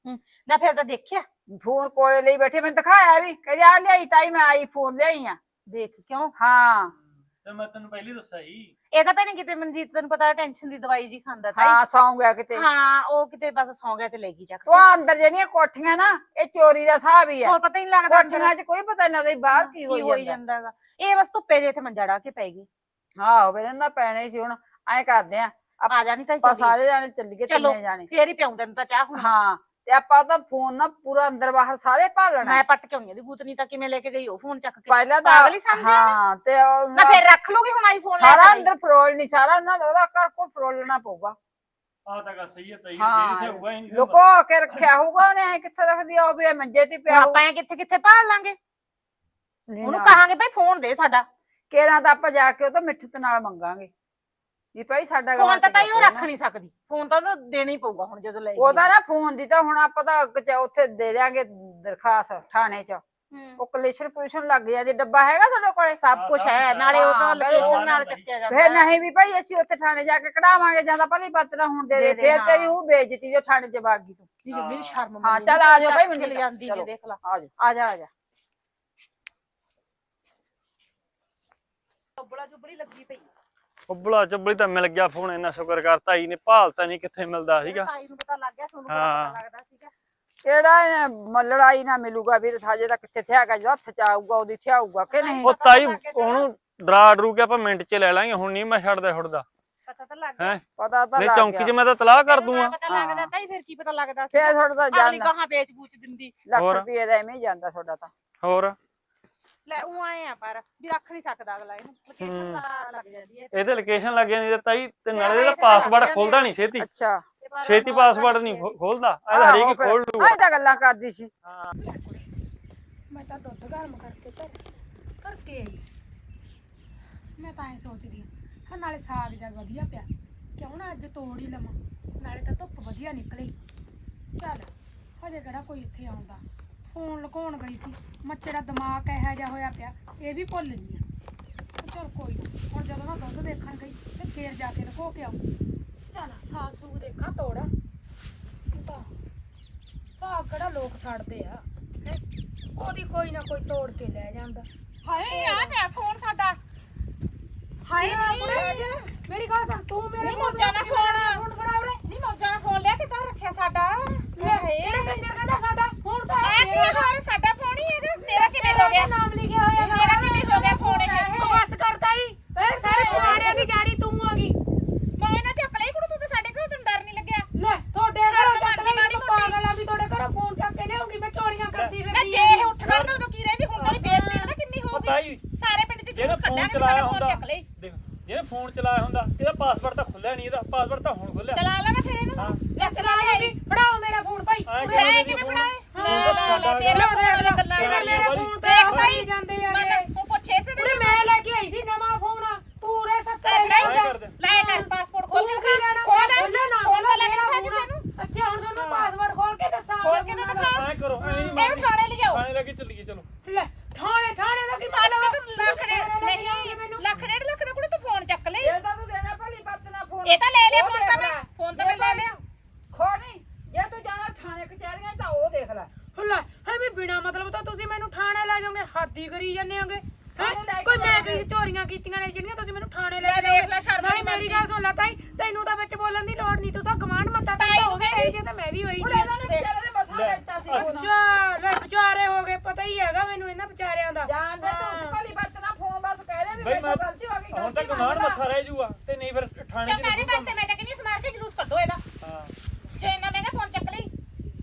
S4: ਨਾ ਫਿਰ ਤਾਂ ਦੇਖਿਆ
S3: ਫੋਨ ਕੋਲੇ ਲਈ ਬੈਠੇ, ਮੈਨੂੰ ਦਿਖਾਇਆ ਵੀ, ਕਹਿੰਦੀ ਆ ਲਿਆਈ ਤਾਈ ਮੈਂ ਆਈ ਫੋਨ ਲਿਆਈ ਆ।
S4: ਦੇਖ ਕਿਉਂ
S3: ਹਾਂ
S1: ਤੇ ਮੈਂ ਤੈਨੂੰ ਪਹਿਲੀ ਦੱਸਿਆ ਸੀ।
S4: ਇਹ ਤਾਂ ਭੈਣੇ ਕਿਤੇ ਮਨਜੀਤ ਤੈਨੂੰ ਪਤਾ ਟੈਨਸ਼ਨ ਦੀ ਦਵਾਈ ਜੀ ਖਾਂਦਾ ਤਾਈ।
S3: ਹਾਂ ਸੌਂ ਗਿਆ ਕਿਤੇ।
S4: ਹਾਂ ਉਹ ਕਿਤੇ ਬਸ ਸੌਂ ਗਿਆ ਤੇ ਲੈ ਗਈ ਚੱਕ
S3: ਤੂੰ ਆਹ ਅੰਦਰ ਜਿਹੜੀਆਂ ਕੋਠੀਆਂ ਨਾ, ਇਹ ਚੋਰੀ ਦਾ ਹਿਸਾਬ ਹੀ ਆ।
S4: ਹੋਰ ਪਤਾ ਹੀ ਨਹੀਂ ਲੱਗਦਾ
S3: ਕੋਠੀਆਂ 'ਚ ਕੋਈ ਪਤਾ ਨਹੀਂ ਲੱਗਦਾ ਬਾਹਰ ਕੀ ਹੋਈ ਜਾਂਦਾ।
S4: ਜਾਂਦਾਗਾ। ਇਹ ਬਸ ਧੁੱਪੇ ਦੇ ਇੱਥੇ ਮੰਜਾ ਡਾ ਕੇ ਪੈ ਗਈ।
S3: ਆਹੋ ਵੇ ਨਾ ਪੈਣਾ ਹੀ ਸੀ। ਹੁਣ ਐਂ ਕਰਦੇ ਆ
S4: ਆ ਜਾ ਨਹੀਂ ਤਾਂ
S3: ਆਪਾਂ ਸਾਰੇ ਜਾਣੇ ਚੱਲੀਏ,
S4: ਚਲੋ
S3: ਤਿੰਨੇ ਜਾਣੇ।
S4: ਫੇਰ ਹੀ ਪਿਆਉਂ ਤੈਨੂੰ ਤਾਂ ਚਾਹ ਹੁਣ।
S3: ਹਾਂ ਤੇ ਆਪਾਂ ਤਾਂ ਫੋਨ ਨਾ ਪੂਰਾ ਅੰਦਰ ਬਾਹਰ ਸਾਰੇ ਭਾਲਣਾ।
S4: ਮੈਂ ਪੱਟ ਕੇ ਆਉਣੀ ਦੀ ਗੁੱਤਨੀ ਤਾਂ ਕਿਵੇਂ ਲੈ ਕੇ ਗਈ ਉਹ ਫੋਨ ਚੱਕ ਕੇ।
S3: ਪਹਿਲਾਂ ਤਾਂ
S4: ਪਾਗਲ ਹੀ ਸਮਝਿਆ
S3: ਹਾਂ ਤੇ
S4: ਨਾ ਫੇਰ ਰੱਖ ਲੂਗੀ ਹੁਣ ਆਈਫੋਨ ਲੈ
S3: ਸਾਰਾ
S4: ਕੇ।
S3: ਅੰਦਰ ਫਰੋਲ ਨਹੀਂ, ਸਾਰਾ ਨਾ ਉਹਦਾ ਘਰ ਕੋਲ ਫਰੋਲਣਾ ਪਊਗਾ।
S1: ਆਹ ਤਾਂ ਗੱਲ ਸਹੀ ਹੈ ਤਾਈ,
S3: ਹਾਂ,
S1: ਜਿਹੜੀ ਹੋਊਗਾ ਹੀ ਨਹੀਂ
S3: ਲੁਕੋ ਕੇ ਰੱਖਿਆ ਹੋਊਗਾ ਉਹਨੇ। ਐਂ ਕਿੱਥੇ ਰੱਖਦੀ ਆ ਉਹ ਵੀ ਮੰਜੇ ਤੇ ਪਿਆ
S4: ਆਪਾਂ ਐਂ ਕਿੱਥੇ ਕਿੱਥੇ ਭਾਲ ਲਾਂਗੇ? ਉਹਨੂੰ ਕਹਾਂਗੇ ਭਾਈ ਫੋਨ ਦੇ ਸਾਡਾ।
S3: ਕੇਰਾਂ ਤਾਂ ਆਪਾਂ ਜਾ ਕੇ ਉਹ ਤਾਂ ਮਿੱਠਤ ਨਾਲ ਮੰਗਾਂਗੇ ਵੀ ਭਾਈ ਸਾਡਾ
S4: ਫੋਨ ਤਾਂ ਤਾਈ ਉਹ ਰੱਖ ਨਹੀਂ ਸਕਦੀ, ਫੋਨ ਤਾਂ ਉਹਨੂੰ ਦੇਣਾ ਹੀ ਪਊਗਾ ਹੁਣ ਜਦੋਂ ਲੈ ਗਈ।
S3: ਉਹਦਾ ਨਾ ਫੋਨ ਦੀ ਤਾਂ ਹੁਣ ਆਪਾਂ ਤਾਂ ਉੱਥੇ ਦੇ ਦਿਆਂਗੇ ਦਰਖਾਸਤ ਥਾਣੇ 'ਚ। ਉਹ ਕਲੇਸ਼ਨ ਪੁਲਿਸ਼ਨ ਲੱਗ ਜਾਂਦੀ। ਡੱਬਾ ਹੈਗਾ ਤੁਹਾਡੇ ਕੋਲੇ?
S4: ਸਭ ਕੁਝ ਹੈ, ਨਾਲੇ ਉਹ ਤਾਂ
S3: ਹਾਂ,
S4: ਲੋਕੇਸ਼ਨ ਨਾਲ ਚੱਕਿਆ ਜਾਂਦਾ।
S3: ਫੇਰ ਨਹੀਂ ਵੀ ਭਾਈ ਅਸੀਂ ਉੱਥੇ ਥਾਣੇ ਜਾ ਕੇ ਕਢਾਵਾਂਗੇ, ਜਾਂ ਤਾਂ ਭਲੀ ਪਤਲਾ ਹੁਣ ਦੇ ਦੇ।
S4: ਦੇ
S3: ਫੇਰ
S4: ਹਾਂ।
S3: ਤੇਰੀ ਉਹ ਬੇਇੱਜ਼ਤੀ ਜੋ ਥਾਣੇ 'ਚ ਵਗ ਗਈ ਤੂੰ।
S4: ਮੇਰੀ ਸ਼ਰਮ
S3: ਹਾਂ,
S4: ਮੰਨੀ
S3: ਚੱਲ
S4: ਨੀ,
S3: ਆ ਜਾਓ ਭਾਈ,
S4: ਚੱਕ ਕੇ
S3: ਮੈਨੂੰ
S4: ਲੈ ਜਾਂਦੀ
S3: ਚਲੋ।
S4: ਜੇ ਦੇਖ ਲਾ।
S3: ਆ ਜਾ
S4: ਆ ਜਾ ਆ ਜਾ। ਬੱਬਲਾ ਜੁਬੜੀ ਲੱਗੀ ਪਈ।
S1: ਉੱਬਲਾ ਚੱਬਲੀ ਤਾਂ ਮਿਲ ਗਿਆ ਫੋਨ, ਇੰਨਾ ਸ਼ੁਕਰ ਕਰ। ਤਾਈ ਨੇ ਭਾਲਤਾ ਨਹੀਂ ਕਿੱਥੇ ਮਿਲਦਾ ਸੀਗਾ।
S4: ਤਾਈ ਨੂੰ ਪਤਾ ਲੱਗ ਗਿਆ, ਤੁਹਾਨੂੰ
S1: ਹਾਂ।
S4: ਪਤਾ ਲੱਗਦਾ ਸੀਗਾ।
S3: ਕਿਹੜਾ ਲੜਾਈ ਨਾ ਮਿਲੂਗਾ ਵੀਰ, ਹਜੇ ਤਾਂ ਕਿੱਥੇ ਥਿਆਗਾ, ਜਦੋਂ ਹੱਥ 'ਚ ਆਊਗਾ ਉਹਦੀ ਥਿਆਊਗਾ ਕਿ ਨਹੀਂ।
S1: ਉਹ ਤਾਈ ਉਹਨੂੰ ਡਰਾ ਡਰੂ ਕੇ ਆਪਾਂ ਮਿੰਟ 'ਚ ਲੈ ਲਾਂਗੇ। ਹੁਣ ਨਹੀਂ ਮੈਂ ਛੱਡਦਾ ਛੁੱਟਦਾ
S4: ਪਤਾ ਤਾਂ ਲੱਗ ਗਿਆ।
S1: ਹੈ।
S3: ਪਤਾ ਤਾਂ
S1: ਨਹੀਂ
S3: ਲੱਗ
S1: ਚੌਂਕੀ 'ਚ
S3: ਗਿਆ।
S1: ਮੈਂ ਤਾਂ ਤਲਾਹ ਕਰ ਦੂੰਗਾ।
S4: ਪਤਾ ਲੱਗਦਾ ਤਾਈ, ਫਿਰ ਕੀ ਪਤਾ ਲੱਗਦਾ
S3: ਫੇਰ ਤੁਹਾਡਾ ਤਾਂ
S4: ਅਗਲੀ
S3: ਜਾਂਦਾ
S4: ਗਾਹਾਂ ਵੇਚ ਬੂਚ ਦਿੰਦੀ।
S3: ਲੱਖ
S1: ਹੋਰ।
S3: ਰੁਪਏ ਦਾ ਐਵੇਂ ਹੀ ਜਾਂਦਾ ਤੁਹਾਡਾ ਤਾਂ।
S1: ਹੋਰ
S4: ਲੈ ਉਹ ਆਏ ਆ ਪਰ ਵੀ ਰੱਖ ਨਹੀਂ ਸਕਦਾ ਅਗਲਾ ਇਹਨੂੰ। ਲੋਕੇਸ਼ਨ ਲੱਗ ਜਾਂਦੀ ਹੈ।
S1: ਇਹਦੇ ਲੋਕੇਸ਼ਨ ਲੱਗ ਜਾਂਦੀ ਤੇ ਤਾਈ ਤੇ ਨਾਲੇ ਇਹਦਾ ਪਾਸਵਰਡ ਖੁੱਲਦਾ ਨਹੀਂ ਛੇਤੀ।
S3: ਅੱਛਾ
S1: ਛੇਤੀ ਪਾਸਵਰਡ ਨਹੀਂ ਖੋਲਦਾ। ਇਹਦਾ ਹਰੇਕ ਹੀ ਖੋਲ ਲੂਗਾ।
S3: ਆਹ ਤਾਂ ਗੱਲਾਂ ਕਰਦੀ ਸੀ।
S2: ਮੈਂ ਤਾਂ ਦੁੱਧ ਗਰਮ ਕਰਕੇ ਆਈ ਸੀ। ਮੈਂ ਤਾਂ ਐ ਸੋਚਦੀ ਹਾਂ ਨਾਲੇ ਸਾਗ ਜਾ ਵਧੀਆ ਪਿਆ, ਕਿਉਂ ਨਾ ਅੱਜ ਤੋੜ ਹੀ ਲਵਾਂ, ਨਾਲੇ ਤਾਂ ਧੁੱਪ ਵਧੀਆ ਨਿਕਲੇ। ਚੱਲ ਹਜੇ ਕਿਹੜਾ ਕੋਈ ਇੱਥੇ ਆਉਂਦਾ। ਫੋਨ ਲੁਕਾਉਣ ਗਈ ਸੀ, ਮੱਚੇ ਦਾ ਦਿਮਾਗ ਇਹੋ ਜਿਹਾ ਹੋਇਆ ਪਿਆ, ਇਹ ਵੀ ਭੁੱਲ ਗਈ ਆ। ਚੱਲ ਕੋਈ ਨਾ, ਹੁਣ ਜਦੋਂ ਮੈਂ ਦੁੱਧ ਦੇਖਣ ਗਈ ਤੇ ਫੇਰ ਜਾ ਕੇ ਲੁਕੋ ਕੇ ਆਉਂ। ਚੱਲ ਸਾਗ ਸੂਗ ਦੇਖਾਂ ਤੋੜਾ। ਤਾਂ ਸਾਗ ਕਿਹੜਾ ਲੋਕ ਛੱਡਦੇ ਆ ਹੈ, ਉਹਦੀ ਕੋਈ ਨਾ ਕੋਈ ਤੋੜ ਕੇ ਲੈ ਜਾਂਦਾ।
S4: ਹਾਏ ਆ ਪਿਆ ਫੋਨ ਸਾਡਾ। ਹਾਏ ਨਹੀਂ
S2: ਮੇਰੀ ਗੱਲ ਸੁਣ, ਤੂੰ ਮੇਰੇ
S4: ਨਹੀਂ ਮੌਜਾਂ ਨਾਲ ਫੋਨ
S2: ਫੋਨ ਫੜਾ ਉਰੇ।
S4: ਨਹੀਂ ਮੌਜਾਂ ਨਾਲ ਫੋਨ ਲਿਆ ਕਿੱਦਾਂ ਰੱਖਿਆ ਸਾਡਾ।
S2: ਇਹ ਕੰਜਰ ਕਹਿੰਦਾ ਸਾਡਾ ਫੋਨ ਤਾਂ
S4: ਆ ਕੀ ਹੋਰ ਸਾਡਾ ਫੋਨ ਹੀ ਹੈਗਾ। ਤੇਰਾ ਕਿਵੇਂ ਹੋ ਗਿਆ?
S2: ਨਾਮ ਲਿਖਿਆ ਹੋਇਆ
S4: ਤੇਰਾ ਕਿਵੇਂ ਹੋ ਗਿਆ ਫੋਨ ਇਹ?
S2: ਉਹ ਬਸ ਕਰਤਾ ਹੀ ਤੇਰੇ ਸਾਰੇ ਪੁਰਾਣਿਆਂ ਦੀ ਜਾੜੀ ਤੂੰ ਆ ਗਈ।
S4: ਮੈਂ ਨਾ ਚੱਕ ਲਈ ਕੁੜੀ, ਤੂੰ ਤਾਂ ਸਾਡੇ ਘਰੋਂ, ਤੈਨੂੰ ਡਰ ਨਹੀਂ ਲੱਗਿਆ?
S2: ਲੈ ਤੁਹਾਡੇ ਘਰੋਂ ਚੱਕ ਲਈ,
S4: ਮਾੜੀ
S2: ਮੈਂ ਪਾਗਲ ਆ ਵੀ ਤੁਹਾਡੇ ਘਰੋਂ ਫੋਨ ਚੱਕ ਕੇ ਲਿਆਉਂਗੀ ਮੈਂ ਚੋਰੀਆਂ ਕਰਦੀ
S4: ਨਾ
S2: ਫਿਰਦੀ।
S4: ਜੇ ਇਹ ਉੱਠ ਖੜਦਾ ਉਦੋਂ ਕੀ ਰਹਿੰਦੀ, ਹੁਣ ਤੇਰੀ ਬੇਇੱਜ਼ਤੀ ਪਤਾ ਕਿੰਨੀ ਹੋਊਗੀ।
S1: ਤਾਈ
S4: ਸਾਰੇ ਪਿੰਡ 'ਚ
S1: ਜਿਹਨੇ
S4: ਜੂਸ
S1: ਫੋਨ
S4: ਕੱਢਾਂਗੇ,
S1: ਚਲਾਇਆ
S4: ਸਾਡਾ ਫੋਨ
S1: ਹੁੰਦਾ,
S4: ਚੱਕ ਲਈ।
S1: ਦੇਖ ਜਿਹਨੇ ਫੋਨ ਚਲਾਇਆ ਹੁੰਦਾ ਇਹਦਾ ਪਾਸਵਰਡ ਤਾਂ ਖੁੱਲਿਆ ਨਹੀਂ। ਇਹਦਾ ਪਾਸਵਰਡ ਤਾਂ ਹੁਣ ਖੁੱਲਿਆ।
S4: ਚਲਾ ਲੈਣਾ ਫਿਰ ਇਹਨੂੰ।
S1: ਹਾਂ।
S4: ਚੱਕ ਲਾ ਲਈ।
S2: ਫੜਾਓ ਮੇਰਾ ਫੋਨ ਭਾਈ।
S1: ਐਂ
S2: ਉਰੇ
S1: ਕਿਵੇਂ
S2: ਆ
S4: ਕਿਵੇਂ
S1: ਫੋਨ?
S4: ਫੜਾਏ?
S1: ਫੋਨ ਤਾਂ ਸਾਡਾ
S4: ਤੇਰਾ
S1: ਹੈਗਾ।
S4: ਫੋਨ ਵਾਲਾ ਗੱਲਾਂ
S2: ਮੇਰਾ
S4: ਕਰ।
S2: ਮੇਰਾ ਫੋਨ ਤੇ
S4: ਦੇਖ
S2: ਹੋਈ
S4: ਤਾਈ,
S2: ਜਾਂਦੇ ਆ
S4: ਉਹ ਪੁੱਛੇ ਇਸੇ
S2: ਉਰੇ
S4: ਦੇ
S2: ਮੈਂ ਲੈ ਕੇ ਆਈ ਸੀ ਨਵਾਂ ਫੋਨ, ਤੂੰ ਉਰੇ ਸੱਤੇ
S1: ਐਂ ਕਰ ਦੇ।
S4: ਲੈ ਕਰ ਪਾਸਪੋਰਟ ਖੋਲ ਕੇ
S2: ਤੂੰ ਕੀ ਲੈਣਾ?
S4: ਖੋਲ ਦੇ।
S2: ਖੋਲ੍ਹੋ ਨਾ,
S4: ਫੋਨ ਤਾਂ ਲੈ ਕੇ
S2: ਖੋਲ੍ਹੋ
S4: ਦਿਖਾ ਕਿਸੇ ਨੂੰ।
S2: ਅੱਛਾ ਹੁਣ ਤੁਹਾਨੂੰ ਪਾਸਵਰਡ ਖੋਲ ਕੇ ਦੱਸਾਂ।
S4: ਖੋਲ ਕੇ ਤਾਂ ਦਿਖਾ।
S1: ਐਂ ਕਰੋ, ਐਂ
S4: ਇਹਨੂੰ ਥਾਣੇ ਲਿਜਾਓ।
S1: ਥਾਣੇ ਲੈ ਕੇ ਚੱਲੋ।
S4: ਇਹ ਤਾਂ ਲੈ ਲਿਆ ਫੋਨ ਤਾਂ ਮੈਂ ਲੈ ਲਿਆ
S3: ਖੋਣੀ ਜੇ ਤੂੰ ਜਾਣਾ ਥਾਣੇ ਕਚਹਿਰੀਆਂ ਤਾਂ ਉਹ ਦੇਖ ਲੈ
S2: ਹੁੱਲਾ ਐਵੇਂ ਬਿਨਾ ਮਤਲਬ ਤਾਂ ਤੁਸੀਂ ਮੈਨੂੰ ਥਾਣੇ ਲੈ ਜਾਓਗੇ ਹੱਦੀ ਕਰੀ ਜਾਂਦੇ ਹੋਗੇ
S3: ਥਾਣੇ ਲੈ ਕੇ
S2: ਕੋਈ ਮੈਂ
S3: ਜਾਵਾਂਗੇ।
S2: ਕੀ ਚੋਰੀਆਂ ਕੀਤੀਆਂ ਨੇ ਜਿਹੜੀਆਂ ਤੁਸੀਂ ਮੈਨੂੰ ਥਾਣੇ ਲੈ
S4: ਲੈ
S2: ਕੇ
S4: ਦੇਖ ਲੈ ਸ਼ਰਮ
S2: ਨਾਲੇ
S4: ਨਹੀਂ
S2: ਮੇਰੀ ਗੱਲ ਸੁਣ ਲੈ ਤਾਈ ਤੈਨੂੰ ਤਾਂ ਵਿੱਚ ਬੋਲਣ ਦੀ ਲੋੜ ਨਹੀਂ ਤੂੰ ਤਾਂ ਗਵਾਂਢ ਮੱਤਾ ਤਾਂ
S4: ਤਾਈ
S2: ਹੋ ਗਈ ਜੇ ਤਾਂ ਮੈਂ ਵੀ ਹੋਈ
S3: ਹੁਣ
S2: ਜੀ
S3: ਇਹਨਾਂ ਨੇ ਵਿਚਾਰੇ ਦੇ ਮਸਾਂ
S1: ਲੈ,
S3: ਲੈਤਾ ਸੀ ਫੋਨ
S2: ਅੱਛਾ ਲੈ ਵਿਚਾਰੇ ਹੋ ਗਏ ਪਤਾ ਹੀ ਹੈਗਾ ਮੈਨੂੰ ਇਹਨਾਂ ਵਿਚਾਰਿਆਂ ਦਾ
S3: ਜਾਣ ਦੇ ਤੂੰ ਉੱਚ ਭਲੀ ਵਰਤਣਾ ਫੋਨ ਬਸ ਕਹਿ ਦੇ ਵੀ
S1: ਬਈ
S3: ਮੇਰੇ
S1: ਮੈਂ
S3: ਤੋਂ ਗਲਤੀ ਹੋ ਗਈ
S1: ਹੁਣ ਤਾਂ
S3: ਗਲਤੀ
S1: ਕਮਾਂਡ
S3: ਮੰਨ ਲਾ।
S1: ਮੱਥਾ ਰਹਿ ਜੂਗਾ ਤੇ ਨਹੀਂ ਫਿਰ ਥਾਣੇ
S4: ਕਿਉਂ
S1: ਚ
S4: ਕਾਹਦੇ
S1: ਲੱਗੂਗਾ।
S4: ਵਾਸਤੇ ਮੈਂ ਤਾਂ ਕਹਿੰਦੀ ਸਮਾਰ ਕੇ ਜਲੂਸ ਕੱਢੋ ਇਹਦਾ
S1: ਹਾਂ
S4: ਜੇ ਇੰਨਾ ਮਹਿੰਗਾ ਫੋਨ ਚੱਕ ਲਈ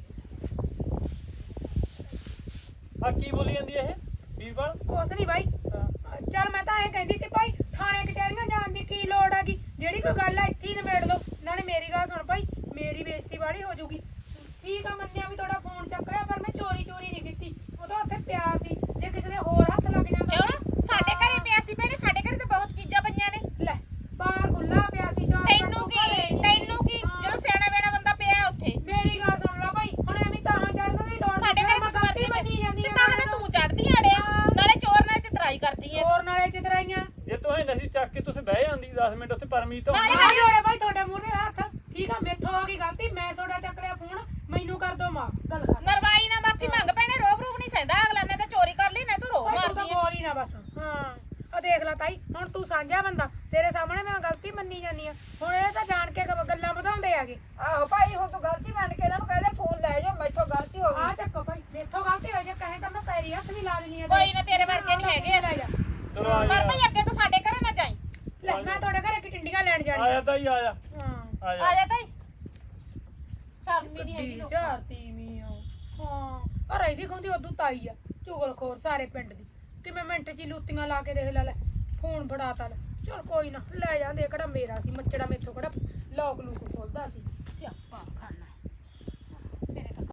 S1: ਆ ਕੀ ਬੋਲੀ ਜਾਂਦੀ ਇਹ ਵੀਰਪਾਲ
S2: ਕੁਛ ਨਹੀਂ ਬਾਈ ਚੱਲ ਮੈਂ ਤਾਂ ਐਂ ਕਹਿੰਦੀ ਸੀ ਭਾਈ ਥਾਣੇ ਕਚਹਿਰੀਆਂ ਜਾਣ ਦੀ ਕੀ ਲੋੜ ਹੈਗੀ ਜਿਹੜੀ ਕੋਈ ਗੱਲ ਆ ਇੱਥੇ ਹੀ ਨਿਬੇੜ ਲਓ ਨਾਲੇ ਮੇਰੀ ਗੱਲ ਸੁਣ ਭਾਈ ਮੇਰੀ ਬੇਇੱਜ਼ਤੀ ਵਾਲੀ ਹੋ ਜੂਗੀ ਠੀਕ ਆ ਮੰਨਿਆ ਵੀ ਤੁਹਾਡਾ ਫੋਨ ਚੱਕ ਲਿਆ ਪਰ ਮੈਂ ਚੋਰੀ ਨਹੀਂ ਕੀਤੀ ਉਹ ਤਾਂ ਉੱਥੇ ਪਿਆ ਸੀ ਜੇ ਕਿਸੇ ਨੇ ਹੋਰ ਹੱਥ ਲੱਗ ਜਾਂਦਾ
S4: ਕਿਉਂ ਸਾਡੇ ਘਰੇ ਪਿਆ ਸੀ ਭੈਣੇ ਸਾਡੇ ਘਰੇ ਤਾਂ ਬਹੁਤ ਚੀਜ਼ਾਂ ਪਈਆਂ ਨੇ
S2: ਲੈ ਬਾਹਰ ਖੁੱਲਾ ਪਿਆ ਸੀ ਚਾਰ
S4: ਤੈਨੂੰ ਕੀ ਜਦੋਂ ਸਿਆਣਾ ਬੈਣਾ ਬੰਦਾ ਪਿਆ ਉੱਥੇ
S2: ਮੇਰੀ ਗੱਲ ਸੁਣ ਲਓ ਭਾਈ ਹੁਣ ਐਵੇਂ ਤਾਂ ਚੜਨ ਦੀ ਲੋੜ
S4: ਸਾਡੇ ਘਰੇ
S2: ਮੈਂ ਗਲਤੀ ਮੰਨੀ ਜਾਂਦੀ
S4: ਤੇ
S2: ਆ
S4: ਤਾਂ ਹਲੇ ਤੂੰ ਚੜਦੀ ਆੜੇ ਨਾਲੇ ਚੋਰ ਨਾਲ ਚਤਰਾਈ ਕਰਦੀ ਏ
S2: ਹੋਰ ਨਾਲੇ ਚਿਤਰਾਈਆਂ
S1: ਜੇ ਤੂੰ ਇਹ ਨਸੀ ਚੱਕ ਕੇ ਤੁਸੀਂ ਬਹਿ ਜਾਂਦੀ 10 ਮਿੰਟ ਉੱਥੇ ਪਰਮੀਤ ਤੋਂ
S4: ਨਾਲੇ
S2: ਹਾਏ ਹੋੜੇ ਭਾਈ ਤੁਹਾਡੇ ਮੂਹਰੇ ਹੱਥ ਠੀਕ ਆ ਮੇਥੋਂ ਹੋ ਗਈ ਗਲਤੀ ਮੈਂ ਤੁਹਾਡਾ ਚੱਕ ਲਿਆ ਫੋਨ ਮੈਨੂੰ ਕਰ ਦੋ ਮਾਂ ਗੱਲ ਕਰ
S4: ਨਰਵਾਈ ਨਾ ਮਾਫੀ ਮੰਗ ਭੈਣੇ ਰੋਬ ਨਹੀਂ ਸਹਿੰਦਾ ਅਗਲਾ ਨੇ ਤਾਂ ਚੋਰੀ ਕਰ ਲਈ ਨਾ ਤੂੰ ਰੋ
S2: ਭਾਈ ਤੂੰ ਤਾਂ
S4: ਮਾਰਦੀ ਏ
S2: ਬੋਲ ਹੀ ਨਾ ਬਸ ਹਾਂ ਆ ਦੇਖ ਲੈ ਤਾਈ ਹੁਣ ਤੂੰ ਸਾਂਝਾ ਬੰਦਾ ਤੇਰੇ ਸਾਹਮਣੇ ਮੈਂ ਗਲਤੀ ਮੰਨੀ ਜਾਨੀ ਆ ਹੁਣ ਇਹ ਤਾਂ ਜਾਣ ਕੇ ਗੱਲਾਂ ਵਧਾਉਂਦੇ ਆਗੇ
S3: ਆਹੋ ਭਾਈ ਹੁਣ ਤੂੰ ਗਲਤੀ ਮੰਨ ਕੇ ਇਹਨਾਂ ਨੂੰ ਕਹਿ ਦੇ ਫੋਨ ਲੈ ਜਾਓ ਮੈਥੋਂ ਗਲਤੀ ਹੋ
S2: ਆ
S3: ਗਈ
S2: ਚੱਕੋ ਭਾਈ ਮੇਥੋਂ ਗਲਤੀ ਹੋਈ ਜੇ ਕਹੇ ਤਾਂ ਮੈਂ ਪੈਰੀ ਹੱਥ ਵੀ ਲਾ ਲੈਣੀ ਆ
S4: ਕੋਈ ਨਾ ਤੇਰੇ ਵਰਗੇ ਨਹੀਂ ਹੈਗੇ
S2: ਲੈ ਜਾ
S1: ਚਲੋ ਆ
S4: ਪਰ
S1: ਜਾ
S4: ਭਈ ਅੱਗੇ ਤੋਂ ਸਾਡੇ ਘਰੇ ਨਾ ਜਾਈ
S2: ਲੈ ਮੈਂ ਤੁਹਾਡੇ ਘਰੇ ਕਿ ਟਿੰਡੀਆਂ ਲੈਣ ਜਾਣੀ
S1: ਆਇਆ ਤਾਂ ਹੀ ਆਇਆ
S2: ਹਾਂ
S1: ਆ
S4: ਆ
S1: ਜਾ
S4: ਜਾ ਤਾਈ ਸ਼ਰਮੀ ਨਹੀਂ ਹੈਗੀ ਲੋਕਾਂ ਨੂੰ।
S2: ਸ਼ਰਤੀ ਮੀਆਂ ਹਾਂ ਪਰ ਇਹਦੀ ਖੁੰਦੀ ਉਦੋਂ ਤਾਈ ਆ ਚੁਗਲਖੋਰ ਸਾਰੇ ਪਿੰਡ ਦੀ ਕਿਵੇਂ ਮਿੰਟ ਚ ਹੀ ਲੂਤੀਆਂ ਲਾ ਕੇ ਦੇਖ ਲੈ ਫੋਨ ਫੜਾਤਾ ਲੈ ਚਲ ਕੋਈ ਨਾ ਲੈ ਜਾਂਦੇ ਕਿਹੜਾ ਮੇਰਾ ਸੀ ਮੱਚੜਾ ਮੇਥੋਂ ਕਿਹੜਾ ਲੋਕ ਲੂਕ ਖੋਲਦਾ ਸੀ